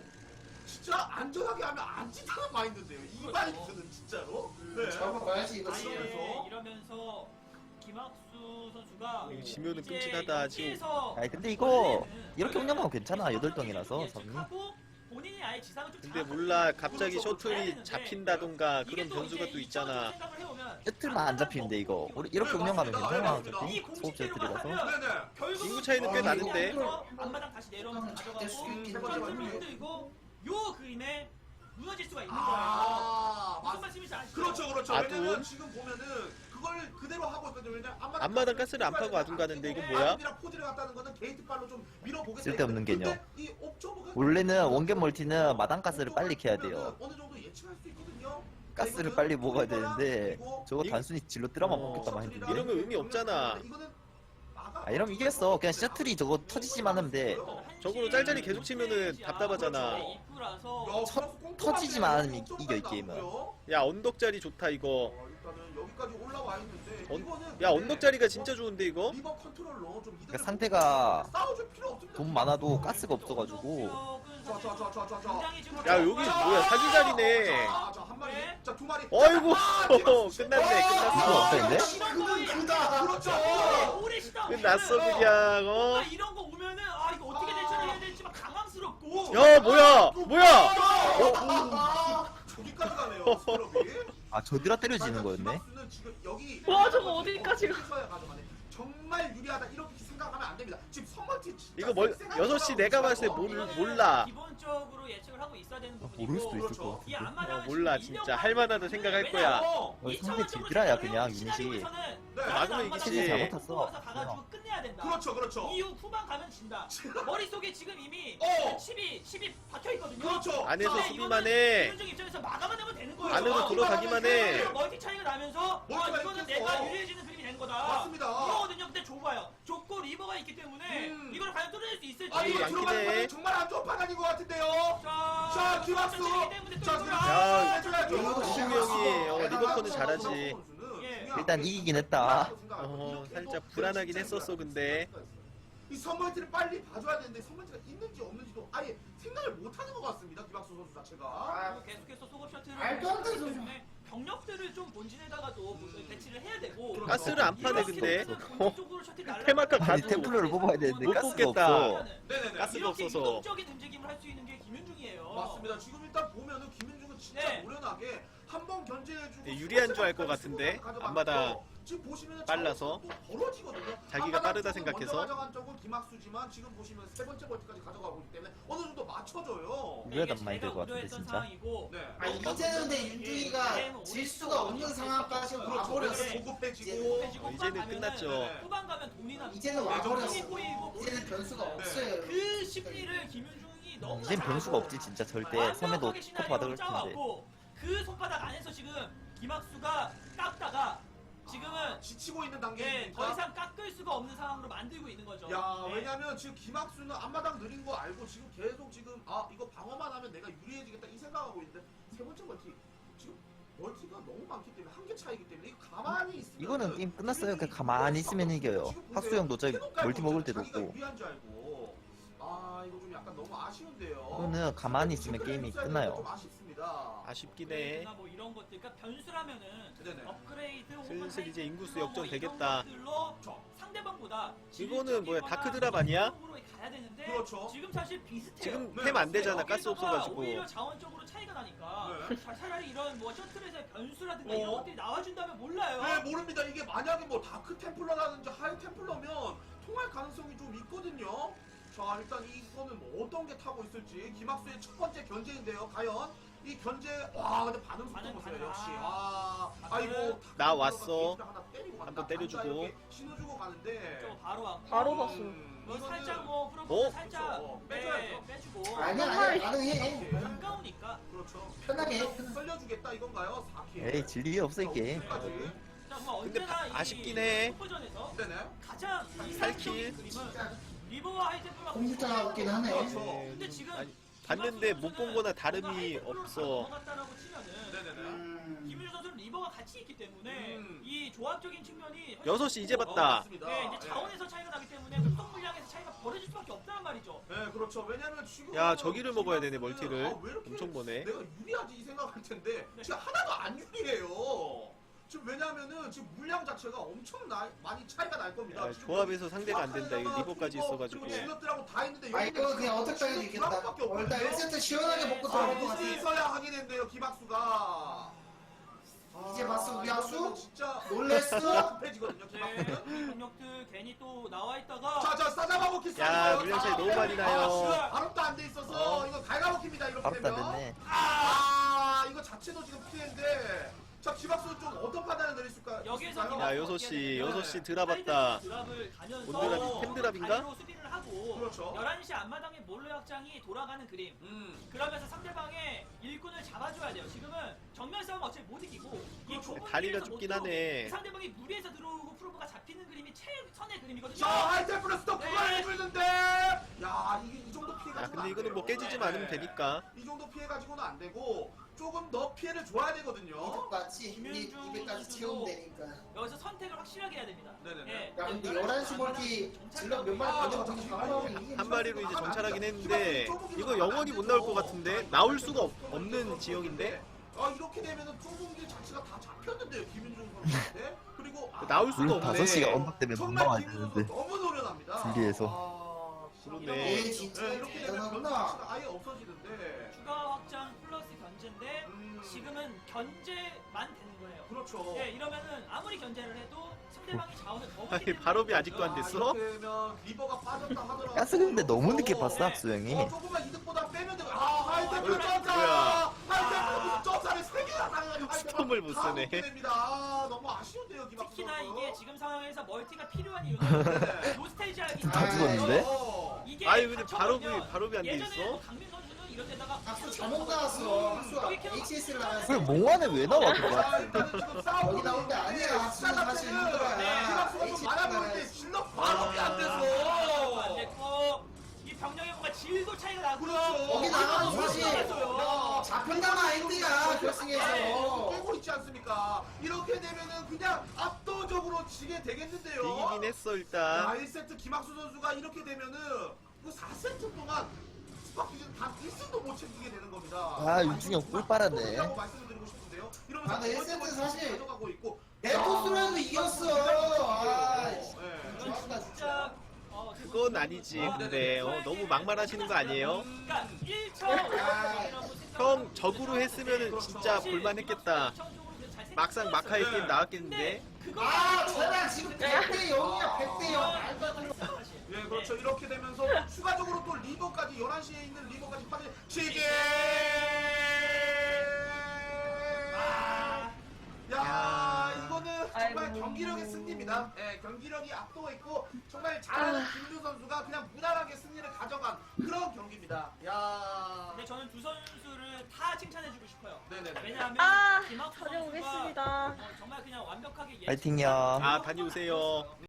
Speaker 3: 진짜 안전하게 하면 안 지다는 마인드인데요. 이 마인드는 진짜로. 네.
Speaker 2: 잡아봐야지 이거 지금.
Speaker 6: 아예 이러면서 김학수 선수가
Speaker 4: 이거 지면은
Speaker 6: 이제
Speaker 4: 끔찍하다, 지금.
Speaker 6: 여기에서
Speaker 1: 아니 근데 이거
Speaker 6: 원래는
Speaker 1: 이렇게 운영하면 괜찮아. 여덟 동이라서
Speaker 6: 예측하고
Speaker 1: 삼이.
Speaker 6: 본인이 아예 지상을 좀
Speaker 4: 근데
Speaker 6: 장악하고
Speaker 4: 몰라 갑자기
Speaker 6: 그렇죠. 가야
Speaker 4: 셔틀이
Speaker 6: 되는데
Speaker 4: 잡힌다던가
Speaker 6: 이게
Speaker 4: 그런
Speaker 6: 또
Speaker 4: 변수가
Speaker 6: 이제
Speaker 4: 또
Speaker 6: 이
Speaker 4: 있잖아.
Speaker 6: 생각을 해보면
Speaker 1: 셔틀만 안 잡히는데 이거. 우리 이렇게 운영하면 괜찮아. 어차피 소업 셔틀이라서.
Speaker 3: 네네.
Speaker 6: 결국은
Speaker 4: 인구 차이는 꽤
Speaker 2: 아,
Speaker 4: 나는데.
Speaker 6: 이거 앞마당 다시 내려오면서
Speaker 2: 될
Speaker 6: 가져가고
Speaker 2: 수 있긴
Speaker 6: 전투를
Speaker 2: 하죠.
Speaker 6: 흔들고 요 그림에 무너질 수가 있는 거예요.
Speaker 3: 아,
Speaker 6: 무슨
Speaker 3: 맞.
Speaker 6: 말씀인지 아시죠?
Speaker 3: 그렇죠, 그렇죠.
Speaker 4: 아둔.
Speaker 3: 왜냐면 지금 보면은 그걸 그대로 하고 있거든요. 왜냐면 앞마당,
Speaker 4: 앞마당 가스를 안 파고 아둔 가는데 이건 뭐야?
Speaker 3: 아둔이랑 포즈를 갔다는 거는 게이트발로 좀 밀어보겠다.
Speaker 1: 쓸데없는
Speaker 3: 근데
Speaker 1: 개념.
Speaker 3: 이 옵저버가
Speaker 1: 원래는 원격 멀티는 마당 가스를 빨리 캐야 돼요.
Speaker 3: 어느 정도 예측할 수 있거든요.
Speaker 1: 가스를
Speaker 3: 이거는
Speaker 1: 빨리 먹어야
Speaker 3: 우리나라
Speaker 1: 되는데
Speaker 3: 그리고
Speaker 1: 저거
Speaker 4: 이-
Speaker 1: 단순히 질러 뜰어만
Speaker 4: 어,
Speaker 1: 먹겠다만 했는데.
Speaker 4: 이러면 의미 없잖아.
Speaker 3: 이거는 막아-
Speaker 1: 아 이러면 이겼어. 그냥 셔틀이 저거 터지지만 하면 돼.
Speaker 4: 저거로 짤짤이 계속 치면은 답답하잖아.
Speaker 6: 이프라서
Speaker 3: 야,
Speaker 1: 터-
Speaker 3: 그래서 꼼꼼하게
Speaker 1: 터지지만 않으면
Speaker 3: 꼼꼼하게
Speaker 1: 이겨, 이 게임은.
Speaker 3: 나오고요.
Speaker 4: 야 언덕자리 좋다 이거.
Speaker 3: 어, 일단은 여기까지 올라와 있는데
Speaker 4: 언-
Speaker 3: 이거는
Speaker 4: 야
Speaker 3: 근데
Speaker 4: 언덕자리가 진짜 좋은데 이거?
Speaker 3: 리버 컨트롤로 좀 이득을
Speaker 1: 그러니까 상대가
Speaker 3: 보고 싸워줄 필요 없습니다.
Speaker 1: 돈 많아도 가스가 없어가지고
Speaker 3: 자, 자, 자, 자, 자, 자.
Speaker 4: 야 여기 뭐야 사기 자리네.
Speaker 3: 자, 자, 한 마리.
Speaker 6: 네.
Speaker 3: 자, 두 마리.
Speaker 4: 어이구
Speaker 3: 아,
Speaker 4: 끝났네
Speaker 1: 이거
Speaker 4: 끝났어.
Speaker 1: 없다는데?
Speaker 2: 그는 그다.
Speaker 3: 그렇죠.
Speaker 6: 오래시다.
Speaker 4: 끝났어 그냥 어.
Speaker 6: 이런 거 오면은 아 이거 어떻게 대처해야 될지 막 당황스럽고.
Speaker 4: 야 뭐야 뭐야?
Speaker 3: 아, 저기까지 가네요. 스크럽이.
Speaker 1: 아 저들아 때려지는 거였네.
Speaker 3: 김학수는 지금 여기
Speaker 7: 와, 저거 어디까지 가?
Speaker 3: 가 정말 유리하다 이렇게 생각하면 안 됩니다. 지금 선멀티 진짜
Speaker 4: 이거 뭘
Speaker 3: 쌩쌩하게
Speaker 4: 여섯 시 내가 봤을 때
Speaker 3: 올라가고
Speaker 4: 몰,
Speaker 6: 이거는
Speaker 4: 몰라.
Speaker 6: 기본적으로 예측을 하고 있어야 되는 부분이고.
Speaker 1: 모를 수도 있을
Speaker 3: 그렇죠.
Speaker 1: 것
Speaker 6: 이
Speaker 1: 같은데.
Speaker 6: 앞마당은
Speaker 4: 어, 몰라,
Speaker 6: 지금
Speaker 4: 진짜 할 만하다 생각할 거야.
Speaker 1: 어, 상대 딜드라야, 그냥, 유닛이.
Speaker 4: 막으면 이기지.
Speaker 1: 잘 못했어.
Speaker 6: 가가지고 끝내야 된다.
Speaker 3: 그렇죠, 그렇죠.
Speaker 6: 이후 후반 가면 진다. 머릿속에 지금 이미
Speaker 3: 어.
Speaker 6: 칩이 칩이 박혀 있거든요.
Speaker 3: 그렇죠.
Speaker 4: 안에서
Speaker 6: 근데
Speaker 4: 수비만
Speaker 6: 이거는
Speaker 4: 해.
Speaker 6: 김윤중 입장에서 막아만 하면 되는 거예요.
Speaker 4: 안으로
Speaker 3: 아,
Speaker 4: 들어가기만 해.
Speaker 6: 멀티 차이가 나면서 아,
Speaker 3: 멀티가
Speaker 6: 이거는
Speaker 3: 있겠어.
Speaker 6: 내가 유리해지는 그림이 되는 거다.
Speaker 3: 맞습니다.
Speaker 6: 이거거든요. 근데 좁아요. 좁고 리버가 있기 때문에
Speaker 3: 음.
Speaker 6: 이걸 과연 뚫어낼 수 있을지.
Speaker 3: 아 이거
Speaker 4: 많긴
Speaker 3: 들어가는
Speaker 4: 해.
Speaker 3: 거는 정말 안 좋은 판단인 것 같은데요.
Speaker 6: 자,
Speaker 3: 자, 김학수.
Speaker 6: 때문에 또
Speaker 3: 자,
Speaker 6: 이거를
Speaker 4: 야,
Speaker 3: 해줘야죠.
Speaker 4: 김학수 형이, 어, 리버컨은 잘하지.
Speaker 6: 예.
Speaker 1: 일단 이기긴 했다.
Speaker 4: 어, 살짝 불안하긴 했었어, 근데.
Speaker 3: 이 선멀티를 빨리 봐줘야 되는데 선멀티가 있는지 없는지도 아예 생각을 못하는 것 같습니다. 김학수 선수 자체가.
Speaker 6: 그리고 계속해서 소급 셔틀을
Speaker 2: 말도 안 되는
Speaker 6: 보내기
Speaker 2: 소리야.
Speaker 6: 때문에 병력들을 좀 본진에다가도 배치를 해야 되고
Speaker 4: 가스를 안 파네 근데. 어, 테마카
Speaker 1: 아니
Speaker 4: 가도
Speaker 1: 템플러를 뽑아야 되는데
Speaker 4: 못
Speaker 1: 가스가
Speaker 4: 뽑겠다.
Speaker 1: 없어.
Speaker 3: 네네네.
Speaker 4: 가스가
Speaker 6: 이렇게
Speaker 4: 없어서.
Speaker 6: 유동적인 움직임을 할 수 있는 게 김윤중이에요.
Speaker 3: 맞습니다. 지금 일단 보면은 김윤중은 진짜
Speaker 6: 네.
Speaker 3: 노련하게 한 번 견제해주고
Speaker 4: 네, 유리한 줄알것 같은데? 앞마당
Speaker 3: 지금 보시면은
Speaker 4: 빨라서.
Speaker 3: 또 벌어지거든요.
Speaker 4: 자기가
Speaker 3: 앞마당
Speaker 4: 빠르다
Speaker 3: 쪽은
Speaker 4: 생각해서.
Speaker 3: 먼저 가져간 쪽은 김학수지만 지금 보시면 세 번째 멀티까지 가져가고 있기 때문에 어느 정도 맞춰줘요.
Speaker 1: 유리하단 말이 될 것 같은데 진짜.
Speaker 6: 상황이고
Speaker 3: 네.
Speaker 2: 아 이제는 근데 윤중이가 질 수가 없는 상황까지
Speaker 3: 그렇죠.
Speaker 2: 와버렸어.
Speaker 3: 그래서 보급해지고.
Speaker 4: 이제는 끝났죠.
Speaker 3: 네.
Speaker 6: 후반 가면 돈이나
Speaker 2: 이제는
Speaker 3: 네,
Speaker 2: 와버렸어.
Speaker 6: 정신이 보이고
Speaker 2: 이제는 변수가
Speaker 3: 네.
Speaker 2: 없어요.
Speaker 6: 그 심리를 김윤중이 너무
Speaker 1: 이젠 변수가 없지 진짜 절대. 섬에도 스코프 받을 텐데.
Speaker 6: 그 손바닥 안에서 지금 김학수가 깎다가 지금은
Speaker 3: 지치고 있는
Speaker 6: 예,
Speaker 3: 단계니까.
Speaker 6: 더 이상 깎을 수가 없는 상황으로 만들고 있는 거죠.
Speaker 3: 야,
Speaker 6: 네.
Speaker 3: 왜냐면 지금 김학수는 앞마당 느린 거 알고 지금 계속 지금 아 이거 방어만 하면 내가 유리해지겠다 이 생각하고 있는데 세 번째 멀티 지금 멀티가 너무 많기 때문에 한 개 차이기 때문에 이거 가만히 있으면
Speaker 1: 이거는 게임 끝났어요. 그냥 가만히 있으면 이겨요. 학수 형도 저기 멀티 먹을 때도 없고.
Speaker 3: 유리한 줄 알고 아 이거 좀 약간 너무 아쉬운데요.
Speaker 1: 이거는 가만히 있으면 게임이 끝나요.
Speaker 3: 좀 아쉽습니다.
Speaker 4: 아쉽긴 해.
Speaker 6: 나 뭐 이런 것들, 그러니까 변수라면은
Speaker 3: 네네.
Speaker 6: 업그레이드
Speaker 4: 슬슬 이제 인구수
Speaker 6: 뭐
Speaker 4: 역전
Speaker 6: 이런
Speaker 4: 되겠다.
Speaker 6: 것들로 상대방보다
Speaker 4: 이거는 뭐야,
Speaker 6: 질적이거나
Speaker 4: 다크드랍 아니야?
Speaker 6: 성적으로 가야 되는데
Speaker 3: 그렇죠.
Speaker 6: 지금 사실 비슷해요.
Speaker 4: 지금
Speaker 3: 네,
Speaker 4: 템 안 되잖아
Speaker 6: 여기다가
Speaker 4: 가스 없어가지고.
Speaker 6: 오히려 자원적으로 차이가 나니까
Speaker 3: 네.
Speaker 6: 자, 차라리 이런 뭐 셔틀에서의 변수라든가
Speaker 3: 어.
Speaker 6: 이런 것들이 나와준다면 몰라요.
Speaker 3: 네 모릅니다. 이게 만약에 뭐 다크 템플러라든지 하이 템플러면 통할 가능성이 좀 있거든요. 자 일단 이거는 뭐 어떤 게 타고 있을지 김학수의 첫 번째 견제인데요. 과연 이 견제 와 근데 반응 속도
Speaker 6: 반응,
Speaker 3: 보세요.
Speaker 6: 반응.
Speaker 3: 역시 아
Speaker 6: 반응.
Speaker 3: 아이고
Speaker 4: 나 왔어.
Speaker 3: 게이트를 하나 때리고 간다.
Speaker 4: 한번 때려주고.
Speaker 3: 간다, 이렇게 신호 주고 가는데
Speaker 6: 저 바로 왔고
Speaker 7: 바로 봤어.
Speaker 3: 음,
Speaker 6: 뭐
Speaker 3: 이거는
Speaker 6: 살짝 뭐 프로포즈
Speaker 4: 어?
Speaker 6: 살짝
Speaker 3: 그렇죠.
Speaker 6: 네,
Speaker 3: 빼줘야죠.
Speaker 6: 빼주고
Speaker 2: 아니야 아니야 가능해.
Speaker 6: 가까우니까
Speaker 3: 그렇죠.
Speaker 2: 편하게 해. 편하게.
Speaker 3: 썰려주겠다 이건가요? 사 킬.
Speaker 1: 에이 진리 없어 이 게임.
Speaker 3: 까지.
Speaker 6: 자, 뭐
Speaker 4: 근데
Speaker 6: 언제나
Speaker 4: 바-
Speaker 6: 이
Speaker 4: 아쉽긴 해.
Speaker 6: 슈퍼전에서
Speaker 3: 네네.
Speaker 6: 가장
Speaker 4: 살
Speaker 6: 이상적인
Speaker 4: 킬.
Speaker 6: 그림은 리버와 하이템플러가
Speaker 2: 공주타가 없긴 하네.
Speaker 3: 그렇죠.
Speaker 6: 근데 지금
Speaker 4: 아니, 봤는데 못 본 거나 다름이 없어.
Speaker 6: 넘어갔다라고 치면은
Speaker 3: 네네네.
Speaker 2: 음.
Speaker 6: 김윤주 선수는 리버가 같이 있기 때문에
Speaker 3: 음.
Speaker 6: 이 조합적인 측면이
Speaker 4: 여섯 시 이제
Speaker 3: 어,
Speaker 4: 봤다.
Speaker 3: 맞습니다.
Speaker 6: 네, 이제
Speaker 3: 예.
Speaker 6: 자원에서 차이가 나기 때문에 활동 물량에서 차이가 벌어질 수밖에 없다는 말이죠.
Speaker 3: 네, 그렇죠. 왜냐면 지금
Speaker 4: 야, 저기를 먹어야 되네,
Speaker 3: 김학수는
Speaker 4: 멀티를.
Speaker 3: 아, 왜 이렇게
Speaker 4: 엄청 보네.
Speaker 3: 내가 유리하지 이 생각할 텐데
Speaker 6: 네.
Speaker 3: 지금 하나도 안 유리해요. 지금 왜냐면은 지금 물량 자체가 엄청 나, 많이 차이가 날 겁니다.
Speaker 4: 야,
Speaker 3: 지금
Speaker 4: 조합에서 상대가 안 된다. 이거 리버까지 있어가지고.
Speaker 3: 질럿들하고 다 있는데
Speaker 2: 아 이거 그냥 어택 당해도 이겼다. 어, 일단 일 세트 시원하게 먹고
Speaker 3: 아,
Speaker 2: 들어갈 것 같아.
Speaker 3: 이제서야 하게 된대요, 김학수가.
Speaker 2: 이제 봤어, 우리 학수?
Speaker 3: 이거는 진짜
Speaker 2: 놀랬어?
Speaker 3: 급해지거든요,
Speaker 6: 네,
Speaker 3: 김학수는.
Speaker 6: 권력들 괜히 또 나와 있다가
Speaker 3: 자, 자, 싸잡아먹기
Speaker 4: 야, 물량 차이 너무 많이 나요.
Speaker 3: 발업도 안 돼 있어서
Speaker 4: 어.
Speaker 3: 이거 갈가먹힙니다, 이렇게
Speaker 1: 바로
Speaker 3: 되면.
Speaker 1: 다 됐네.
Speaker 3: 아, 이거 자체도 지금 피해인데. 자, 김학수 좀 어떤 판단을 내렸을까?
Speaker 6: 여기에서
Speaker 3: 있을까요?
Speaker 4: 야 여섯 시 여섯 시 드랍았다.
Speaker 6: 드랍을 가면서
Speaker 4: 온드랍이 템드랍인가?
Speaker 6: 다리로 수비를 하고
Speaker 3: 그렇죠.
Speaker 6: 열한 시 앞마당에 몰래 확장이 돌아가는 그림.
Speaker 3: 음.
Speaker 6: 그러면서 상대방의 일꾼을 잡아줘야 돼요. 지금은 정면 싸움 어차피 못 이기고 이
Speaker 3: 그렇죠.
Speaker 6: 좁은
Speaker 4: 다리가
Speaker 6: 길에서
Speaker 4: 좁긴
Speaker 6: 못 들어오고
Speaker 4: 하네.
Speaker 6: 상대방이 무리해서 들어오고 프로브가 잡히는 그림이 최선의 그림이거든요.
Speaker 3: 자, 하이템플러스 또
Speaker 6: 네.
Speaker 3: 그걸 해주는데, 야, 이게 이 정도 피해 가지고.
Speaker 4: 야 근데 이거는 뭐 깨지지만 않으면 되니까.
Speaker 3: 이 정도 피해 가지고는 안 되고 조금 더 피해를 줘야 되거든요.
Speaker 2: 이득까지
Speaker 6: 김윤중
Speaker 2: 이백까지
Speaker 6: 선수도
Speaker 2: 채우면 되니까.
Speaker 6: 여기서 선택을 확실하게 해야 됩니다.
Speaker 3: 네네네.
Speaker 6: 예.
Speaker 2: 야 근데 열한 시 멀티 질러 몇 마리
Speaker 3: 아,
Speaker 2: 던져도 되게 강하면 이기긴
Speaker 4: 한 마리로 이제 정찰하긴 했는데 이거 영원히 못 나올 것 같은데 나올 수가 없, 없는 지역인데
Speaker 3: 아, 이렇게 되면은 좁은 길 자체가 다 잡혔는데요, 김윤중 선수한테. 그리고 아,
Speaker 4: 나올 수가
Speaker 1: 물론 다섯 시가
Speaker 4: 없네.
Speaker 1: 언덕 때문에 못
Speaker 3: 정말
Speaker 1: 나와야
Speaker 3: 김윤중
Speaker 1: 되는데.
Speaker 3: 선수 너무 노련합니다.
Speaker 1: 분리해서.
Speaker 3: 아,
Speaker 4: 그러네.
Speaker 2: 에이 진짜
Speaker 3: 네, 이렇게 되면 변수
Speaker 2: 대단하구나.
Speaker 3: 자체가 아예 없어지는데.
Speaker 6: 추가 확장 플러스 견제인데
Speaker 3: 음.
Speaker 6: 지금은 견제만 되는 거예요.
Speaker 3: 그렇죠.
Speaker 6: 예, 이러면은 아무리 견제를 해도 상대방이 자원을 더
Speaker 4: 아니,
Speaker 6: 먹기 때문에
Speaker 4: 발업이 아직도 안 됐어?
Speaker 3: 아, 이렇게 되면 리버가 빠졌다 하더라도
Speaker 1: 가스 근데 너무 늦게 봤어,
Speaker 3: 네.
Speaker 1: 학수 형이.
Speaker 3: 어, 조금만 이득보다 빼면 되고. 아, 하이템플
Speaker 4: 어,
Speaker 3: 점사!
Speaker 4: 뭐야.
Speaker 3: 하이템플 점사를 세 개나 당해가지고
Speaker 4: 스톰을 못
Speaker 3: 다
Speaker 4: 쓰네.
Speaker 3: 먹게 됩니다. 아, 너무 아쉬운데요, 김학수
Speaker 6: 특히나
Speaker 3: 선수.
Speaker 6: 이게 지금 상황에서 멀티가 필요한 이유는
Speaker 3: 네.
Speaker 6: 노스테이지 하기
Speaker 1: 다 죽었는데?
Speaker 3: 어.
Speaker 6: 이게
Speaker 4: 아니, 근데
Speaker 6: 갇혀버리면
Speaker 4: 발업이- 발업이 안돼
Speaker 6: 예전에
Speaker 4: 있어?
Speaker 6: 뭐 강민 선수는 이런 데다가
Speaker 2: 학수 잘못 나왔어. 학수가 에이치에스를 나왔어.
Speaker 1: 그래 몽환에 왜 나와
Speaker 3: 자,
Speaker 1: 그거?
Speaker 3: 일단은 지금 싸우고
Speaker 2: 여기 나올 때 아니야. 학수는 사실 힘들어요.
Speaker 3: 김학수가 좀
Speaker 2: 에이치에스
Speaker 3: 많아보일 때
Speaker 2: 나와야지.
Speaker 3: 질러 발업이 안
Speaker 6: 안
Speaker 3: 돼서.
Speaker 6: 됐고 이 병력의 뭔가 질도 차이가 나고
Speaker 3: 그렇죠.
Speaker 2: 거기 나가면 사실
Speaker 6: 요
Speaker 2: 잡힌다는 아이디야 결승에서.
Speaker 3: 깨고 있지 않습니까? 이렇게 되면은 그냥 압도적으로 지게 되겠는데요.
Speaker 4: 이기긴 했어
Speaker 3: 아,
Speaker 4: 일단.
Speaker 3: 일 세트 김학수 선수가 이렇게 되면은 그 사 세트 동안 스파키즈는 단 일 승도 못 챙기게 되는 겁니다.
Speaker 1: 아, 윤중형 꿀 빨았네.
Speaker 3: 라고 말씀을 드리고 싶은데요. 이러면서
Speaker 2: 아, 근데 일
Speaker 3: 두 번째
Speaker 2: 세트
Speaker 3: 번째
Speaker 2: 사실
Speaker 3: 가져가고 있고.
Speaker 2: 내 토스로도 이겼어. 아,
Speaker 3: 네.
Speaker 2: 좋았다 진짜.
Speaker 6: 진짜 어,
Speaker 4: 그건 아니지. 근데 어, 너무 막말하시는 거 아니에요?
Speaker 6: 그러니까 일 점
Speaker 4: 형 적으로 했으면은 진짜 볼만했겠다. 막상 마카의 게임 나왔겠는데.
Speaker 2: 아, 저랑 지금 백 대 영이야. 백 대 영. 말도 안 돼.
Speaker 3: 예, 그렇죠. 이렇게 되면서 추가적으로 또 리버까지 열한 시에 있는 리버까지 파괴 시계.
Speaker 6: 아,
Speaker 3: 야, 이거는 정말
Speaker 7: 아이고.
Speaker 3: 경기력의 승리입니다. 예, 경기력이 압도가 있고 정말 잘하는 김준 선수가 그냥 무난하게 승리를 가져간 그런 경기입니다. 야.
Speaker 6: 근데 저는 두 선수를 다 칭찬해주고 싶어요.
Speaker 3: 네네네.
Speaker 6: 왜냐하면
Speaker 7: 아,
Speaker 6: 김학수 선수가
Speaker 7: 다녀오겠습니다.
Speaker 6: 어, 정말 그냥 완벽하게 예측-
Speaker 1: 파이팅요.
Speaker 4: 아 다녀오세요.